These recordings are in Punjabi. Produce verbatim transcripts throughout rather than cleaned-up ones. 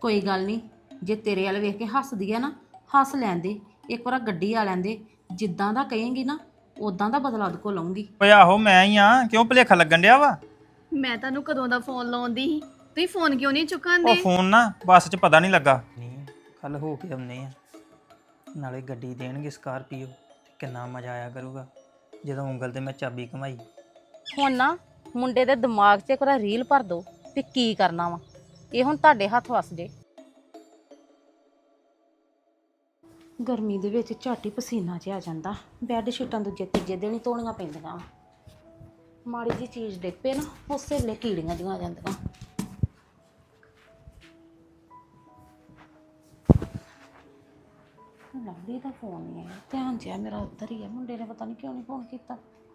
ਕੋਈ ਗੱਲ ਨਹੀਂ, ਜੇ ਤੇਰੇ ਵਾਲ ਵੇਖ ਕੇ ਹੱਸਦੀ ਆ ਨਾ, ਹੱਸ ਲੈਂਦੇ। ਇੱਕ ਵਾਰ ਗੱਡੀ ਆ ਲੈਂਦੇ। ਜਿੱਦਾਂ ਦਾ ਕਹੇਂਗੀ ਨਾ ਉਦਾਂ ਦਾ ਬਦਲਾ ਉਹਦੇ ਕੋਲ ਲਊਂਗੀ। ਓਏ ਆਹੋ ਮੈਂ ਹੀ ਆ, ਕਿਉਂ ਭੁਲੇਖਾ ਲੱਗਣ ਡਿਆ ਵਾ? ਮੈਂ ਤੁਹਾਨੂੰ ਕਦੋਂ ਦਾ ਫੋਨ ਲਾਉਂਦੀ ਸੀ, ਤੁਸੀਂ ਫੋਨ ਕਿਉਂ ਨਹੀਂ ਉਹ ਚੁੱਕਾਂਦੇ? ਫੋਨ ਨਾ ਬੱਸ 'ਚ ਪਤਾ ਨਹੀਂ ਲੱਗਾ। ਨਹੀਂ ਕੱਲ ਹੋ ਕੇ ਆਉਨੇ ਆ, ਨਾਲੇ ਗੱਡੀ ਦੇਣਗੇ ਸਕਾਰਪੀਓ ਤੇ ਕਿੰਨਾ ਮਜ਼ਾ ਆਇਆ ਕਰੂਗਾ ਜਦੋਂ ਉਂਗਲ ਤੇ ਮੈਂ ਚਾਬੀ ਘਮਾਈ। ਹੁਣ ਨਾ ਮੁੰਡੇ ਦੇ ਦਿਮਾਗ 'ਚ ਇੱਕ ਵਾਰ ਰੀਲ ਭਰ ਦੋ ਵੀ ਕੀ ਕਰਨਾ ਵਾ। ਇਹ ਹੁਣ ਤੁਹਾਡੇ ਹੱਥ ਵਸ ਜੇ। ਗਰਮੀ ਦੇ ਵਿੱਚ ਝੱਟ ਹੀ ਪਸੀਨਾ ਜਿਹਾ ਆ ਜਾਂਦਾ। ਬੈੱਡ ਸ਼ੀਟਾਂ ਦੂਜੇ ਤੀਜੇ ਦਿਨ ਹੀ ਧੋਣੀਆਂ ਪੈਂਦੀਆਂ। ਮਾੜੀ ਜੀ ਚੀਜ਼ ਡਿੱਗ ਪਏ ਨਾ ਉਸੇ ਵੇਲੇ ਕੀੜੀਆਂ ਜਿਹੀਆਂ ਆ ਜਾਂਦੀਆਂ। ਲਵਲੀ ਦਾ ਫੋਨ ਨਹੀਂ ਆਇਆ, ਧਿਆਨ ਜਿਹਾ ਮੇਰਾ ਉੱਧਰ ਹੀ ਆ। ਮੁੰਡੇ ਨੇ ਪਤਾ ਨਹੀਂ ਕਿਉਂ ਨਹੀਂ ਫੋਨ ਕੀਤਾ।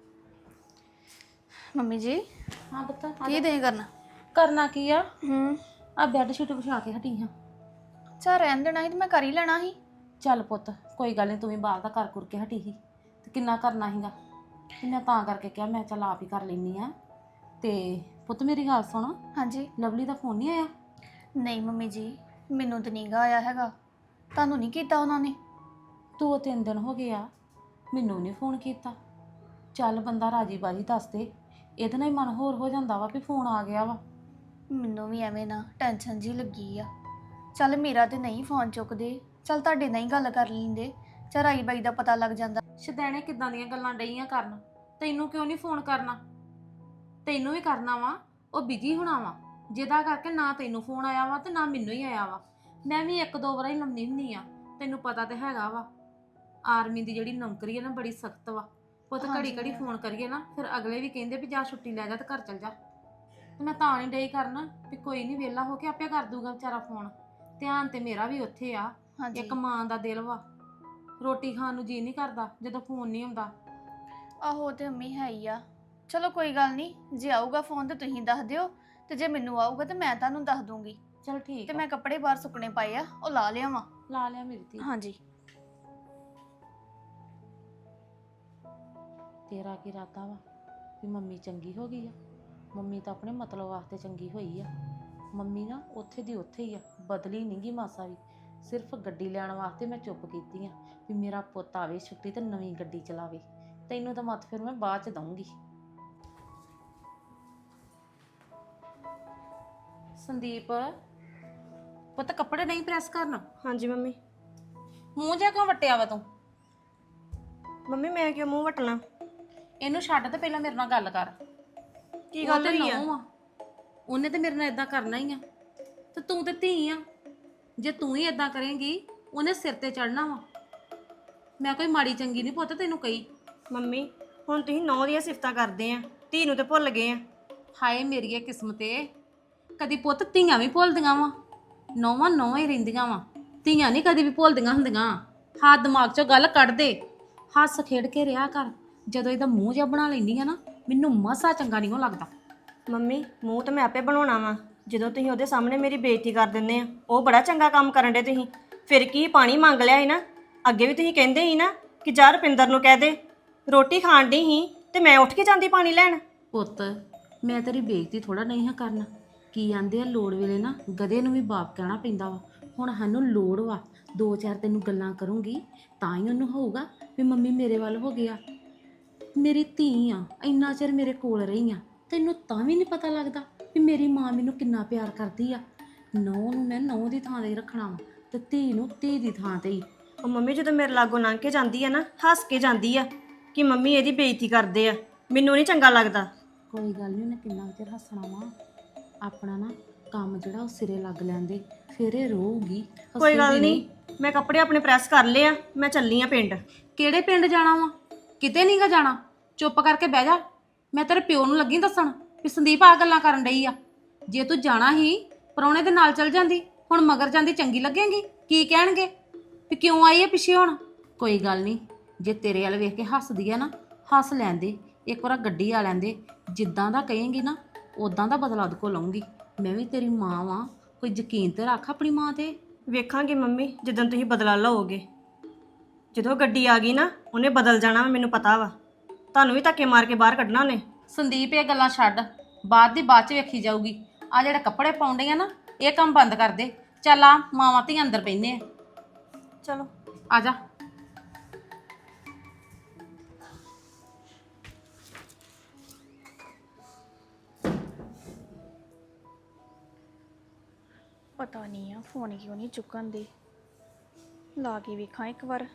ਮੰਮੀ ਜੀ ਹਾਂ ਪਤਾ ਕੀ ਦੇ ਕਰਨਾ? ਕਰਨਾ ਕੀ ਆ? ਹੂੰ ਆ ਬੈੱਡ ਸ਼ੀਟ ਵਿਛਾ ਕੇ ਹਟੀ ਹਾਂ। ਚਾ ਰਹਿਣ ਦੇਣਾ ਸੀ ਤੇ ਮੈਂ ਕਰ ਹੀ ਲੈਣਾ ਸੀ। ਚੱਲ ਪੁੱਤ ਕੋਈ ਗੱਲ ਨਹੀਂ, ਤੂੰ ਵੀ ਬਾਹਰ ਦਾ ਕਰ ਕੁਰ ਕੇ ਹਟੀ ਸੀ ਤੇ ਕਿੰਨਾ ਕਰਨਾ ਸੀਗਾ। ਤੇ ਮੈਂ ਤਾਂ ਕਰਕੇ ਕਿਹਾ ਮੈਂ ਚੱਲ ਆਪ ਹੀ ਕਰ ਲੈਂਦੀ ਆ। ਤੇ ਪੁੱਤ ਮੇਰੀ ਗੱਲ ਸੁਣ, ਹਾਂਜੀ। ਲਵਲੀ ਦਾ ਫੋਨ ਨਹੀਂ ਆਇਆ? ਨਹੀਂ ਮੰਮੀ ਜੀ, ਮੈਨੂੰ ਤਾਂ ਨਹੀਂ ਗਾ ਆਇਆ ਹੈਗਾ। ਤੁਹਾਨੂੰ ਨਹੀਂ ਕੀਤਾ ਉਹਨਾਂ ਨੇ? ਦੋ ਤਿੰਨ ਦਿਨ ਹੋ ਗਏ ਆ, ਮੈਨੂੰ ਨਹੀਂ ਫੋਨ ਕੀਤਾ। ਚੱਲ ਬੰਦਾ ਰਾਜੀ ਬਾਜੀ ਦੱਸ ਦੇ, ਇਹਦੇ ਨਾਲ ਹੀ ਮਨ ਹੋਰ ਹੋ ਜਾਂਦਾ ਵਾ ਵੀ ਫੋਨ ਆ ਗਿਆ ਵਾ। ਮੈਨੂੰ ਵੀ ਐਵੇਂ ਨਾ ਟੈਨਸ਼ਨ ਜੀ ਲੱਗੀ ਆ। ਚੱਲ ਮੇਰਾ ਤੇ ਨਹੀਂ ਫੋਨ ਚੁੱਕਦੇ, ਚੱਲ ਤੁਹਾਡੇ ਨਾਲ ਹੀ ਗੱਲ ਕਰ ਲੈਂਦੇ, ਚੱਲ ਰਾਈ ਬਾਈ ਦਾ ਪਤਾ ਲੱਗ ਜਾਂਦਾ। ਸ਼ਦੈਣੇ ਕਿੱਦਾਂ ਦੀਆਂ ਗੱਲਾਂ ਡਈਆਂ ਕਰਨ। ਤੈਨੂੰ ਕਿਉਂ ਨਹੀਂ ਫੋਨ ਕਰਨਾ? ਤੈਨੂੰ ਵੀ ਕਰਨਾ ਵਾ, ਉਹ ਬਿਜੀ ਹੋਣਾ ਵਾ, ਜਿਹਦਾ ਕਰਕੇ ਨਾ ਤੈਨੂੰ ਫੋਨ ਆਇਆ ਵਾ ਤੇ ਨਾ ਮੈਨੂੰ ਹੀ ਆਇਆ ਵਾ। ਮੈਂ ਵੀ ਇੱਕ ਦੋ ਵਾਰ ਹੀ ਲੰਮੀ ਹੁੰਦੀ ਆ, ਤੈਨੂੰ ਪਤਾ ਤੇ ਹੈਗਾ ਵਾ ਆਰਮੀ ਦੀ ਜਿਹੜੀ ਨੌਕਰੀ ਹੈ ਨਾ ਬੜੀ ਸਖਤ ਵਾ। ਪੁੱਤ ਘੜੀ ਘੜੀ ਫੋਨ ਕਰੀਏ ਨਾ ਫਿਰ ਅਗਲੇ ਵੀ ਕਹਿੰਦੇ ਵੀ ਜਾ ਛੁੱਟੀ ਲੈ ਜਾ ਤੇ ਘਰ ਚਲ ਜਾ। ਤੇ ਮੈਂ ਤਾਂ ਨਹੀਂ ਡਈ ਕਰਨਾ ਵੀ ਕੋਈ ਨਹੀਂ, ਵਿਹਲਾ ਹੋ ਕੇ ਆਪੇ ਕਰ ਦੂਗਾ ਵਿਚਾਰਾ ਫੋਨ। ਧਿਆਨ ਤੇ ਮੇਰਾ ਵੀ ਉੱਥੇ ਆ। ਇੱਕ ਮਾਂ ਦਾ ਦਿਲ ਵਾ, ਰੋਟੀ ਖਾਣ ਨੂੰ ਜੀ ਨਹੀਂ ਕਰਦਾ ਜਦੋਂ ਫੋਨ ਨਹੀਂ ਆਉਂਦਾ। ਆਹੋ ਤੇ ਮੰਮੀ ਹੈ ਹੀ ਆ। ਚਲੋ ਕੋਈ ਗੱਲ ਨਹੀਂ, ਜੇ ਆਊਗਾ ਫੋਨ ਤੇ ਤੁਸੀਂ ਦੱਸ ਦਿਓ, ਤੇ ਜੇ ਮੈਨੂੰ ਆਊਗਾ ਤੇ ਮੈਂ ਤੁਹਾਨੂੰ ਦੱਸ ਦੂੰਗੀ। ਚਲ ਠੀਕ ਤੇ ਆ। ਮੈਂ ਕੱਪੜੇ ਬਾਹਰ ਸੁੱਕਣੇ ਪਾਏ ਆ, ਉਹ ਲਾ ਲਿਆਵਾਂ। ਲਾ ਲਿਆ ਮੇਰੀ ਧੀ। ਹਾਂਜੀ। ਤੇਰਾ ਕੀ ਇਰਾਦਾ ਵਾ ਵੀ ਮੰਮੀ ਚੰਗੀ ਹੋ ਗਈ ਆ? ਮੰਮੀ ਤਾਂ ਆਪਣੇ ਮਤਲਬ ਵਾਸਤੇ ਚੰਗੀ ਹੋਈ ਆ। ਮੰਮੀ ਨਾ ਉੱਥੇ ਦੀ ਉੱਥੇ ਹੀ ਆ, ਬਦਲੀ ਨਹੀਂ ਗੀ ਮਾਸਾ ਵੀ। ਸਿਰਫ ਗੱਡੀ ਲੈਣ ਵਾਸਤੇ ਮੈਂ ਚੁੱਪ ਕੀਤੀ ਆ ਵੀ ਮੇਰਾ ਪੁੱਤ ਆਵੇ ਛੁੱਟੀ ਤੇ ਨਵੀਂ ਗੱਡੀ ਚਲਾਵੇ। ਤੈਨੂੰ ਤਾਂ ਮੱਤ ਫਿਰ ਮੈਂ ਬਾਅਦ ਚ ਦਊਂਗੀ। ਸੰਦੀਪ ਪੁੱਤ ਕੱਪੜੇ ਨਹੀਂ ਪ੍ਰੈਸ ਕਰਨਾ? ਹਾਂਜੀ ਮੰਮੀ। ਮੂੰਹ ਜਿਹਾ ਕਿਉਂ ਵਟਿਆ ਵਾ ਤੂੰ? ਮੰਮੀ ਮੈਂ ਕਿਉਂ ਮੂੰਹ ਵਟਣਾ? ਇਹਨੂੰ ਛੱਡ ਤੇ ਪਹਿਲਾਂ ਮੇਰੇ ਨਾਲ ਗੱਲ ਕਰ। ਕੀ ਗੱਲ ਹੋਈ ਆ? ਆ ਉਹਨੇ ਤੇ ਮੇਰੇ ਨਾਲ ਇਦਾਂ ਕਰਨਾ ਹੀ ਆ, ਤੇ ਤੂੰ ਤੇ ਧੀ ਆ। ਜੇ ਤੂੰ ਹੀ ਇਦਾਂ ਕਰੇਂਗੀ ਉਹਨੇ ਸਿਰ ਤੇ ਚੜਨਾ ਵਾ। ਮੈਂ ਕੋਈ ਮਾੜੀ ਚੰਗੀ ਨਹੀਂ ਪੁੱਤ ਤੈਨੂੰ ਕਹੀ। ਮੰਮੀ ਹੁਣ ਤੁਸੀਂ ਨੌ ਦੀਆਂ ਸਿਫਤਾਂ ਕਰਦੇ ਆ, ਧੀ ਨੂੰ ਤੇ ਭੁੱਲ ਗਏ ਆ। ਹਾਏ ਮੇਰੀ ਕਿਸਮਤ ਏ, ਕਦੀ ਪੁੱਤ ਧੀਆਂ ਵੀ ਭੁੱਲਦੀਆਂ ਵਾ। ਨੌਵਾਂ ਨੌਵਾਂ ਹੀ ਰਹਿੰਦੀਆਂ ਵਾ, ਧੀਆਂ ਨਹੀਂ ਕਦੀ ਵੀ ਭੁੱਲਦੀਆਂ ਹੁੰਦੀਆਂ। ਹਾਂ ਦਿਮਾਗ ਚੋਂ ਗੱਲ ਕੱਢ ਦੇ, ਹੱਸ ਖੇਡ ਕੇ ਰਿਹਾ ਕਰ। ਜਦੋਂ ਇਹਦਾ ਮੂੰਹ ਜਿਹਾ ਬਣਾ ਲੈਂਦੀ ਆ ਨਾ, ਮੈਨੂੰ ਮਸਾ ਚੰਗਾ ਨਹੀਂ ਉਹ ਲੱਗਦਾ। ਮੰਮੀ ਮੂੰਹ ਤਾਂ ਮੈਂ ਆਪੇ ਬਣਾਉਣਾ ਵਾ, ਜਦੋਂ ਤੁਸੀਂ ਉਹਦੇ ਸਾਹਮਣੇ ਮੇਰੀ ਬੇਇੱਜ਼ਤੀ ਕਰ ਦਿੰਦੇ ਆ। ਉਹ ਬੜਾ ਚੰਗਾ ਕੰਮ ਕਰਨ ਦੇ ਤੁਸੀਂ। ਫਿਰ ਕੀ ਪਾਣੀ ਮੰਗ ਲਿਆ ਸੀ ਨਾ, ਅੱਗੇ ਵੀ ਤੁਸੀਂ ਕਹਿੰਦੇ ਸੀ ਨਾ ਕਿ ਜਾ ਰੁਪਿੰਦਰ ਨੂੰ ਕਹਿ ਦੇ। ਰੋਟੀ ਖਾਣ ਡਈ ਸੀ ਤੇ ਮੈਂ ਉੱਠ ਕੇ ਜਾਂਦੀ ਪਾਣੀ ਲੈਣ। ਪੁੱਤ ਮੈਂ ਤੇਰੀ ਬੇਇੱਜ਼ਤੀ ਥੋੜਾ ਨਹੀਂ ਹਾਂ ਕਰਨਾ। ਕੀ ਆਂਦੇ ਆ ਲੋੜ ਵੇਲੇ ਨਾ ਗਧੇ ਨੂੰ ਵੀ ਬਾਪ ਕਹਿਣਾ ਪੈਂਦਾ ਵਾ। ਹੁਣ ਸਾਨੂੰ ਲੋੜ ਵਾ, ਦੋ ਚਾਰ ਤੈਨੂੰ ਗੱਲਾਂ ਕਰੂੰਗੀ ਤਾਂ ਹੀ ਉਹਨੂੰ ਹੋਊਗਾ ਵੀ ਮੰਮੀ ਮੇਰੇ ਵੱਲ ਹੋ ਗਿਆ। ਮੇਰੀ ਧੀ ਆ, ਇੰਨਾ ਚਿਰ ਮੇਰੇ ਕੋਲ ਰਹੀ ਆ, ਤੈਨੂੰ ਤਾਂ ਵੀ ਨਹੀਂ ਪਤਾ ਲੱਗਦਾ ਵੀ ਮੇਰੀ ਮਾਂ ਮੈਨੂੰ ਕਿੰਨਾ ਪਿਆਰ ਕਰਦੀ ਆ। ਨੌਂ ਨੂੰ ਮੈਂ ਨੌਂ ਦੀ ਥਾਂ 'ਤੇ ਰੱਖਣਾ ਵਾ ਤੇ ਧੀ ਨੂੰ ਧੀ ਦੀ ਥਾਂ 'ਤੇ ਹੀ। ਉਹ ਮੰਮੀ ਜਦੋਂ ਮੇਰੇ ਲਾਗੋਂ ਲੰਘ ਕੇ ਜਾਂਦੀ ਆ ਨਾ, ਹੱਸ ਕੇ ਜਾਂਦੀ ਆ ਕਿ ਮੰਮੀ ਇਹਦੀ ਬੇਇੱਜ਼ਤੀ ਕਰਦੇ ਆ। ਮੈਨੂੰ ਨਹੀਂ ਚੰਗਾ ਲੱਗਦਾ। ਕੋਈ ਗੱਲ ਨਹੀਂ, ਉਹਨੇ ਕਿੰਨਾ ਚਿਰ ਹੱਸਣਾ ਵਾ। ਆਪਣਾ ਨਾ ਕੰਮ ਜਿਹੜਾ ਉਹ ਸਿਰੇ ਲੱਗ ਲੈਂਦੇ ਫਿਰ ਇਹ ਰਹੂਗੀ। ਕੋਈ ਗੱਲ ਨਹੀਂ, ਮੈਂ ਕੱਪੜੇ ਆਪਣੇ ਪ੍ਰੈਸ ਕਰ ਲਏ ਆ, ਮੈਂ ਚੱਲੀ ਆ ਪਿੰਡ। ਕਿਹੜੇ ਪਿੰਡ ਜਾਣਾ ਵਾ? ਕਿਤੇ ਨਹੀਂ ਗਾ ਜਾਣਾ। ਚੁੱਪ ਕਰਕੇ ਬਹਿ ਜਾ। ਮੈਂ ਤੇਰੇ ਪਿਓ ਨੂੰ ਲੱਗੀ ਦੱਸਣ ਵੀ ਸੰਦੀਪ ਆ ਗੱਲਾਂ ਕਰਨ ਡਈ ਆ। ਜੇ ਤੂੰ ਜਾਣਾ ਹੀ ਪਰੌਣੇ ਦੇ ਨਾਲ ਚਲ ਜਾਂਦੀ, ਹੁਣ ਮਗਰ ਜਾਂਦੀ ਚੰਗੀ ਲੱਗੇਗੀ। ਕੀ ਕਹਿਣਗੇ ਵੀ ਕਿਉਂ ਆਈ ਹੈ ਪਿੱਛੇ ਹੁਣ? ਕੋਈ ਗੱਲ ਨਹੀਂ, ਜੇ ਤੇਰੇ ਵੱਲ ਵੇਖ ਕੇ ਹੱਸਦੀ ਆ ਨਾ, ਹੱਸ ਲੈਂਦੇ। ਇੱਕ ਵਾਰ ਗੱਡੀ ਆ ਲੈਂਦੇ। ਜਿੱਦਾਂ ਦਾ ਕਹੇਂਗੀ ਨਾ ਉਦਾਂ ਦਾ ਬਦਲਾ ਉਹਦੇ ਕੋਲ ਲਊਂਗੀ। ਮੈਂ ਵੀ ਤੇਰੀ ਮਾਂ ਵਾਂ, ਕੋਈ ਯਕੀਨ ਤੇ ਰੱਖ ਆਪਣੀ ਮਾਂ ਤੇ। ਵੇਖਾਂਗੇ ਮੰਮੀ ਜਦੋਂ ਤੁਸੀਂ ਬਦਲਾ ਲਓਗੇ। ਜਦੋਂ ਗੱਡੀ ਆ ਗਈ ਨਾ ਉਹਨੇ ਬਦਲ ਜਾਣਾ, ਮੈਨੂੰ ਪਤਾ ਵਾ। ਤੁਹਾਨੂੰ ਵੀ ਧੱਕੇ ਮਾਰ ਕੇ ਬਾਹਰ ਕੱਢਣਾ ਉਹਨੇ। ਸੰਦੀਪ ਇਹ ਗੱਲਾਂ ਛੱਡ, ਬਾਅਦ ਦੀ ਬਾਅਦ ਚ ਵੇਖੀ ਜਾਊਗੀ। ਆ ਜਿਹੜੇ ਕੱਪੜੇ ਪਾਉਂਦੇ ਆ ਨਾ, ਇਹ ਕੰਮ ਬੰਦ ਕਰ ਦੇ। ਚੱਲ ਆ ਮਾਵਾਂ ਧੀਆਂ ਅੰਦਰ ਬੈਠਨੇ ਆ ਚਲੋ ਆ ਜਾ। ਪਤਾ ਨਹੀਂ ਆ ਫੋਨ ਕਿਉਂ ਨਹੀਂ ਚੁੱਕਣ ਦੇ, ਲਾ ਕੇ ਵੇਖਾਂ ਇੱਕ ਵਾਰ।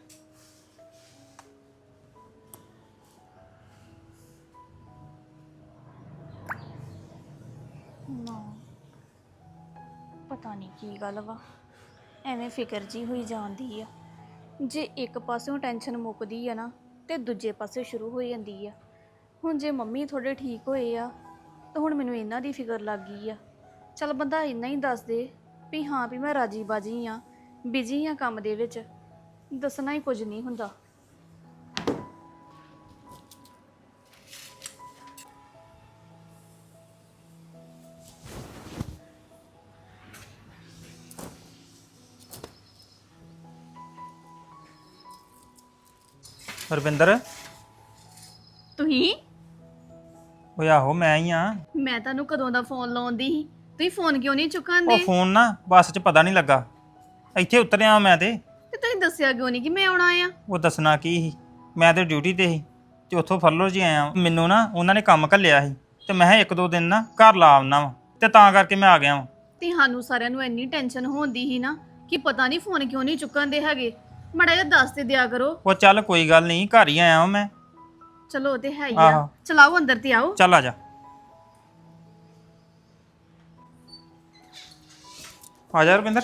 ਨਾ ਪਤਾ ਨਹੀਂ ਕੀ ਗੱਲ ਵਾ, ਐਵੇਂ ਫਿਕਰ ਜੀ ਹੋਈ ਜਾਂਦੀ ਆ। ਜੇ ਇੱਕ ਪਾਸਿਓਂ ਟੈਨਸ਼ਨ ਮੁੱਕਦੀ ਆ ਨਾ ਤੇ ਦੂਜੇ ਪਾਸੇ ਸ਼ੁਰੂ ਹੋ ਜਾਂਦੀ ਆ। ਹੁਣ ਜੇ ਮੰਮੀ ਥੋੜੇ ਠੀਕ ਹੋਏ ਆ ਤਾਂ ਹੁਣ ਮੈਨੂੰ ਇਹਨਾਂ ਦੀ ਫਿਕਰ ਲੱਗ ਗਈ ਆ। ਚਲ ਬੰਦਾ ਇੰਨਾ ਹੀ ਦੱਸ ਦੇ ਵੀ ਹਾਂ ਵੀ ਮੈਂ ਰਾਜੀ ਬਾਜੀ ਆ, ਬਿਜੀ ਆ ਕੰਮ ਦੇ ਵਿੱਚ, ਦੱਸਣਾ ਹੀ ਕੁਝ ਨਹੀਂ ਹੁੰਦਾ। ਰਵਿੰਦਰ ਤੁਸੀਂ ਓਏ ਆਹੋ ਮੈਂ ਹੀ ਆ। ਮੈਂ ਤੁਹਾਨੂੰ ਕਦੋਂ ਦਾ ਫੋਨ ਲਾਉਂਦੀ ਸੀ, ਤੁਸੀਂ ਫੋਨ ਕਿਉਂ ਨਹੀਂ ਉਹ ਚੁੱਕਾਂਦੇ? ਫੋਨ ਨਾ ਬੱਸ 'ਚ ਪਤਾ ਨਹੀਂ ਲੱਗਾ, ਇੱਥੇ ਉਤਰਿਆ ਮੈਂ ਤੇ ਤੇ ਤੁਸੀਂ ਦੱਸਿਆ ਕਿਉਂ ਨਹੀਂ ਕਿ ਮੈਂ ਆਉਣਾ ਆ? ਉਹ ਦੱਸਣਾ ਕੀ ਸੀ, ਮੈਂ ਤੇ ਡਿਊਟੀ ਤੇ ਸੀ ਤੇ ਉੱਥੋਂ ਫਰਲੋ ਜੀ ਆਇਆ ਵਾਂ। ਮੈਨੂੰ ਨਾ ਉਹਨਾਂ ਨੇ ਕੰਮ ਘੱਲਿਆ ਸੀ ਤੇ ਮੈਂ ਕਿਹਾ ਇੱਕ ਦੋ ਦਿਨ ਨਾ ਘਰ ਲਾ ਆਉਣਾ ਵਾ ਤੇ ਤਾਂ ਕਰਕੇ ਮੈਂ ਆ ਗਿਆ ਵਾਂ। ਤੇ ਸਾਨੂੰ ਸਾਰਿਆਂ ਨੂੰ ਇੰਨੀ ਟੈਨਸ਼ਨ ਹੁੰਦੀ ਸੀ ਨਾ ਕਿ ਪਤਾ ਨਹੀਂ ਫੋਨ ਕਿਉਂ ਨਹੀਂ ਚੁੱਕਾਂਦੇ ਹੈਗੇ। ਮਾੜਾ ਜਿਹਾ ਦੱਸ ਤੇ ਦਿਆ ਕਰੋ। ਉਹ ਚੱਲ ਕੋਈ ਗੱਲ ਨਹੀਂ, ਘਰ ਹੀ ਆਇਆ ਵਾਂ ਮੈਂ। ਚਲੋ ਉਹ ਤੇ ਹੈ ਹੀ ਆ, ਆਹੋ। ਚਲਾਓ ਅੰਦਰ ਤੇ ਆਓ। ਚੱਲ ਆ ਜਾ ਆ ਜਾ ਰਵਿੰਦਰ।